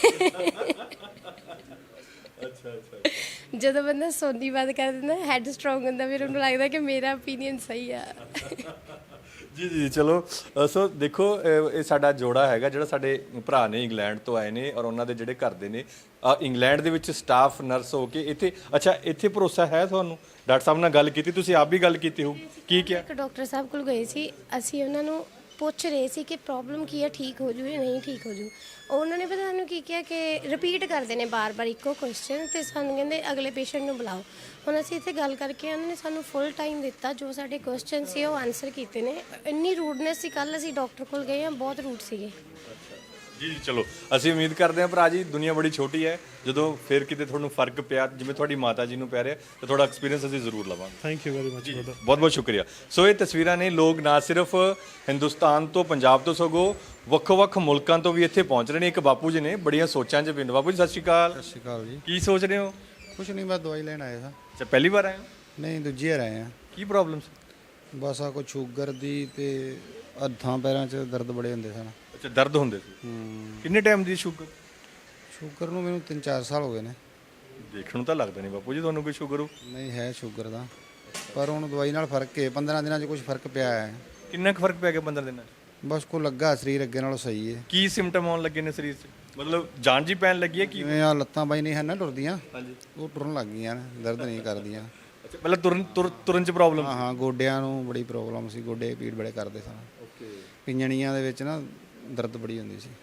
S4: ਅੱਛਾ।
S10: ਜਦੋਂ ਬੰਦਾ ਸੋਨੀ ਬਾਤ ਕਰ ਦਿੰਦਾ, ਹੈਡ ਸਟਰੋਂਗ ਹੁੰਦਾ, ਫਿਰ ਉਹਨੂੰ ਲੱਗਦਾ ਕਿ ਮੇਰਾ ਓਪੀਨੀਅਨ ਸਹੀ ਆ।
S4: ਜੀ। ਚਲੋ, ਸੋ ਦੇਖੋ, ਇਹ ਸਾਡਾ ਜੋੜਾ ਹੈਗਾ ਜਿਹੜਾ ਸਾਡੇ ਭਰਾ ਨੇ ਇੰਗਲੈਂਡ ਤੋਂ ਆਏ ਨੇ ਔਰ ਉਹਨਾਂ ਦੇ ਜਿਹੜੇ ਘਰ ਦੇ ਨੇ ਇੰਗਲੈਂਡ ਦੇ ਵਿੱਚ ਸਟਾਫ ਨਰਸ ਹੋ ਕੇ ਇੱਥੇ। ਅੱਛਾ, ਇੱਥੇ ਭਰੋਸਾ ਹੈ ਤੁਹਾਨੂੰ? ਡਾਕਟਰ ਸਾਹਿਬ ਨਾਲ ਗੱਲ ਕੀਤੀ ਤੁਸੀਂ? ਆਪ ਵੀ ਗੱਲ ਕੀਤੀ ਹੋ? ਕੀ ਕਿਹਾ?
S10: ਇੱਕ ਡਾਕਟਰ ਸਾਹਿਬ ਕੋਲ ਗਏ ਸੀ ਅਸੀਂ, ਉਹਨਾਂ ਨੂੰ ਪੁੱਛ ਰਹੇ ਸੀ ਕਿ ਪ੍ਰੋਬਲਮ ਕੀ ਹੈ, ਠੀਕ ਹੋ ਜੂ ਜਾਂ ਨਹੀਂ ਠੀਕ ਹੋ ਜੂ। ਉਹਨਾਂ ਨੇ ਪਤਾ ਸਾਨੂੰ ਕੀ ਕਿਹਾ ਕਿ ਰਿਪੀਟ ਕਰਦੇ ਨੇ ਬਾਰ-ਬਾਰ ਇੱਕੋ ਕੁਐਸਚਨ, ਤੇ ਸਾਨੂੰ ਕਹਿੰਦੇ ਅਗਲੇ ਪੇਸ਼ੈਂਟ ਨੂੰ ਬੁਲਾਓ। ਹੁਣ ਅਸੀਂ ਇੱਥੇ ਗੱਲ ਕਰਕੇ ਉਹਨਾਂ ਨੇ ਸਾਨੂੰ ਫੁੱਲ ਟਾਈਮ ਦਿੱਤਾ, ਜੋ ਸਾਡੇ ਕੁਐਸਚਨ ਸੀ ਉਹ ਆਨਸਰ ਕੀਤੇ ਨੇ। ਇੰਨੀ ਰੂਡਨੈਸ ਸੀ। ਕੱਲ੍ਹ ਅਸੀਂ ਡਾਕਟਰ ਕੋਲ ਗਏ ਹਾਂ, ਬਹੁਤ ਰੂਡ ਸੀਗੇ।
S4: ਜੀ ਚਲੋ ਅਸੀਂ ਉਮੀਦ ਕਰਦੇ ਹਾਂ ਭਰਾ ਜੀ, ਦੁਨੀਆ ਬੜੀ ਛੋਟੀ ਹੈ, ਜਦੋਂ ਫਿਰ ਕਿਤੇ ਤੁਹਾਨੂੰ ਫਰਕ ਪਿਆ ਜਿਵੇਂ ਤੁਹਾਡੀ ਮਾਤਾ ਜੀ ਨੂੰ ਪੈ ਰਿਹਾ ਤਾਂ ਤੁਹਾਡਾ ਐਕਸਪੀਰੀਅੰਸ ਅਸੀਂ ਜ਼ਰੂਰ ਲਵਾਂਗੇ।
S5: Thank you very much brother.
S4: ਬਹੁਤ ਬਹੁਤ ਸ਼ੁਕਰੀਆ। ਸੋ ਇਹ ਤਸਵੀਰਾਂ ਨੇ, ਲੋਕ ਨਾ ਸਿਰਫ ਹਿੰਦੁਸਤਾਨ ਤੋਂ, ਪੰਜਾਬ ਤੋਂ, ਸਗੋਂ ਵੱਖ-ਵੱਖ ਮੁਲਕਾਂ ਤੋਂ ਵੀ ਇੱਥੇ ਪਹੁੰਚ ਰਹੇ ਨੇ। ਇੱਕ ਬਾਪੂ ਜੀ ਨੇ ਬੜੀਆਂ ਸੋਚਾਂ 'ਚ ਬਿੰਦ। ਬਾਪੂ ਜੀ ਸਤਿ ਸ਼੍ਰੀ ਅਕਾਲ।
S9: ਸਤਿ ਸ਼੍ਰੀ ਅਕਾਲ ਜੀ।
S4: ਕੀ ਸੋਚ ਰਹੇ ਹੋ?
S9: ਕੁਛ ਨਹੀਂ, ਬਸ ਦਵਾਈ ਲੈਣ ਆਏ ਸਾਂ।
S4: ਅੱਛਾ, ਪਹਿਲੀ ਵਾਰ ਆਏ ਹੋ?
S9: ਨਹੀਂ, ਦੂਜੀ ਵਾਰ ਆਏ ਆ।
S4: ਕੀ ਪ੍ਰੋਬਲਮ ਸੀ?
S9: ਬਸ ਆ ਕੋਈ ਸ਼ੂਗਰ ਦੀ ਤੇ ਹੱਥਾਂ ਪੈਰਾਂ 'ਚ ਦਰਦ ਬੜੇ ਹੁੰਦੇ ਸਨ।
S4: ਅੱਛਾ, ਦਰਦ ਹੁੰਦੇ ਸੀ। ਕਿੰਨੇ ਟਾਈਮ ਦੀ ਸ਼ੂਗਰ?
S9: ਸ਼ੂਗਰ ਨੂੰ ਮੈਨੂੰ 3-4 ਸਾਲ ਹੋ ਗਏ ਨੇ।
S4: ਦੇਖਣ ਨੂੰ ਤਾਂ ਲੱਗਦਾ ਨਹੀਂ ਬਾਪੂ ਜੀ ਤੁਹਾਨੂੰ ਕੋਈ ਸ਼ੂਗਰ ਹੋ।
S9: ਨਹੀਂ, ਹੈ ਸ਼ੂਗਰ ਦਾ, ਪਰ ਹੁਣ ਦਵਾਈ ਨਾਲ ਫਰਕ ਹੈ। 15 ਦਿਨਾਂ 'ਚ ਕੁਝ ਫਰਕ ਪਿਆ ਹੈ।
S4: ਕਿੰਨਾ ਕੁ ਫਰਕ ਪੈ ਗਿਆ 15 ਦਿਨਾਂ 'ਚ?
S9: ਬਸ ਕੋ ਲੱਗਾ ਸਰੀਰ ਅੱਗੇ ਨਾਲੋਂ ਸਹੀ ਹੈ।
S4: ਕੀ ਸਿੰਪਟਮ ਆਉਣ ਲੱਗੇ ਨੇ ਸਰੀਰ 'ਚ? ਮਤਲਬ ਜਾਨ ਜੀ ਪੈਣ ਲੱਗੀ ਹੈ ਕੀ?
S9: ਜਿਵੇਂ ਆ ਲੱਤਾਂ ਬਾਈ ਨਹੀਂ ਹਨ ਨਾ ਟੁਰਦੀਆਂ,
S4: ਹਾਂਜੀ,
S9: ਉਹ ਟੁਰਨ ਲੱਗ ਗਈਆਂ ਨੇ, ਦਰਦ ਨਹੀਂ ਕਰਦੀਆਂ।
S4: ਅੱਛਾ, ਪਹਿਲਾਂ ਤੁਰਨ 'ਚ ਪ੍ਰੋਬਲਮ?
S9: ਹਾਂ, ਗੋਡਿਆਂ ਨੂੰ ਬੜੀ ਪ੍ਰੋਬਲਮ ਸੀ, ਗੋਡੇ ਪੀੜ ਬੜੇ ਕਰਦੇ ਸਨ। ਓਕੇ। ਪਿੰਜਣੀਆਂ ਦੇ ਵਿੱਚ ਨਾ ਦਰਦ ਬੜੀ ਹੁੰਦੀ ਸੀ।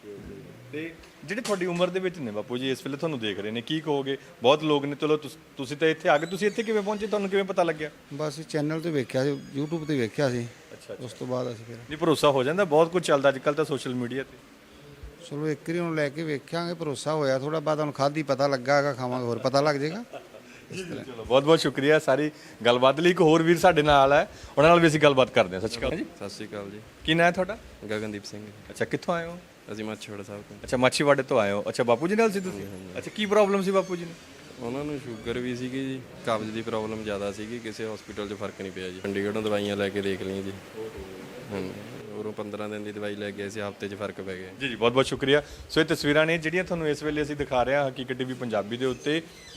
S4: ਤੇ ਜਿਹੜੇ ਤੁਹਾਡੀ ਉਮਰ ਦੇ ਵਿੱਚ ਨੇ ਬਾਪੂ ਜੀ, ਇਸ ਵੇਲੇ ਤੁਹਾਨੂੰ ਦੇਖ ਰਹੇ ਨੇ, ਕੀ ਕਹੋਗੇ? ਬਹੁਤ ਲੋਕ ਨੇ, ਚਲੋ ਤੁਸੀਂ ਤਾਂ ਇੱਥੇ ਆ ਗਏ, ਤੁਸੀਂ ਇੱਥੇ ਕਿਵੇਂ ਪਹੁੰਚੇ? ਤੁਹਾਨੂੰ ਕਿਵੇਂ ਪਤਾ ਲੱਗਿਆ?
S9: ਬਸ ਚੈਨਲ ਤੇ ਵੇਖਿਆ ਸੀ, YouTube ਤੇ ਵੇਖਿਆ ਸੀ।
S4: ਅੱਛਾ,
S9: ਉਸ ਤੋਂ ਬਾਅਦ ਅਸੀਂ ਫਿਰ
S4: ਨਹੀਂ, ਭਰੋਸਾ ਹੋ ਜਾਂਦਾ, ਬਹੁਤ ਕੁਝ ਚੱਲਦਾ ਅੱਜ ਕੱਲ੍ਹ ਤਾਂ ਸੋਸ਼ਲ ਮੀਡੀਆ ਤੇ।
S9: ਚਲੋ ਇੱਕ ਵਾਰੀ ਹੁਣ ਲੈ ਕੇ ਵੇਖਾਂਗੇ, ਭਰੋਸਾ ਹੋਇਆ ਥੋੜਾ ਬਾਅਦ ਹੁਣ ਖਾਧੀ ਪਤਾ ਲੱਗਾ ਹੈਗਾ, ਖਾਵਾਂਗੇ ਹੋਰ ਪਤਾ ਲੱਗ ਜਾਏਗਾ।
S4: ਚਲੋ ਬਹੁਤ ਬਹੁਤ ਸ਼ੁਕਰੀਆ ਸਾਰੀ ਗੱਲਬਾਤ ਲਈ। ਇੱਕ ਹੋਰ ਵੀਰ ਸਾਡੇ ਨਾਲ ਹੈ, ਉਹਨਾਂ ਨਾਲ ਵੀ ਅਸੀਂ ਗੱਲਬਾਤ ਕਰਦੇ ਹਾਂ। ਸਤਿ ਸ਼੍ਰੀ ਅਕਾਲ ਜੀ।
S7: ਸਤਿ ਸ਼੍ਰੀ ਅਕਾਲ ਜੀ।
S4: ਕੀ ਨਾਂ ਹੈ ਤੁਹਾਡਾ?
S7: ਗਗਨਦੀਪ ਸਿੰਘ।
S4: ਅੱਛਾ, ਕਿੱਥੋਂ ਆਏ ਹੋ?
S7: ਅਸੀਂ ਮਾਛੀਵਾੜਾ ਸਾਹਿਬ ਤੋਂ।
S4: ਅੱਛਾ, ਮਾਛੀਵਾੜੇ ਤੋਂ ਆਏ ਹੋ। ਅੱਛਾ, ਬਾਪੂ ਜੀ ਨਾਲ ਸੀ ਤੁਸੀਂ? ਅੱਛਾ, ਕੀ ਪ੍ਰੋਬਲਮ ਸੀ ਬਾਪੂ ਜੀ ਨੂੰ?
S7: ਉਹਨਾਂ ਨੂੰ ਸ਼ੂਗਰ ਵੀ ਸੀਗੀ ਜੀ, ਕਬਜ਼ ਦੀ ਪ੍ਰੋਬਲਮ ਜ਼ਿਆਦਾ ਸੀਗੀ, ਕਿਸੇ ਹਸਪੀਟਲ 'ਚ ਫਰਕ ਨਹੀਂ ਪਿਆ ਜੀ। ਚੰਡੀਗੜ੍ਹੋਂ ਦਵਾਈਆਂ ਲੈ ਕੇ ਦੇਖ ਲਈਆਂ ਜੀ। ਹਾਂਜੀ, ਉਰੋਂ 15 ਦਿਨ ਦੀ ਦਵਾਈ ਲੈ ਗਏ ਸੀ, ਹਫ਼ਤੇ 'ਚ ਫਰਕ ਪੈ ਗਿਆ
S4: ਜੀ ਜੀ, ਬਹੁਤ ਬਹੁਤ ਸ਼ੁਕਰੀਆ। ਸੋ ਇਹ ਤਸਵੀਰਾਂ ਨੇ ਜਿਹੜੀਆਂ ਤੁਹਾਨੂੰ ਇਸ ਵੇਲੇ ਅਸੀਂ ਦਿਖਾ ਰਹੇ ਹਾਂ ਹਕੀਕਤ ਟੀਵੀ ਪੰਜਾਬੀ ਦੇ ਉੱਤੇ।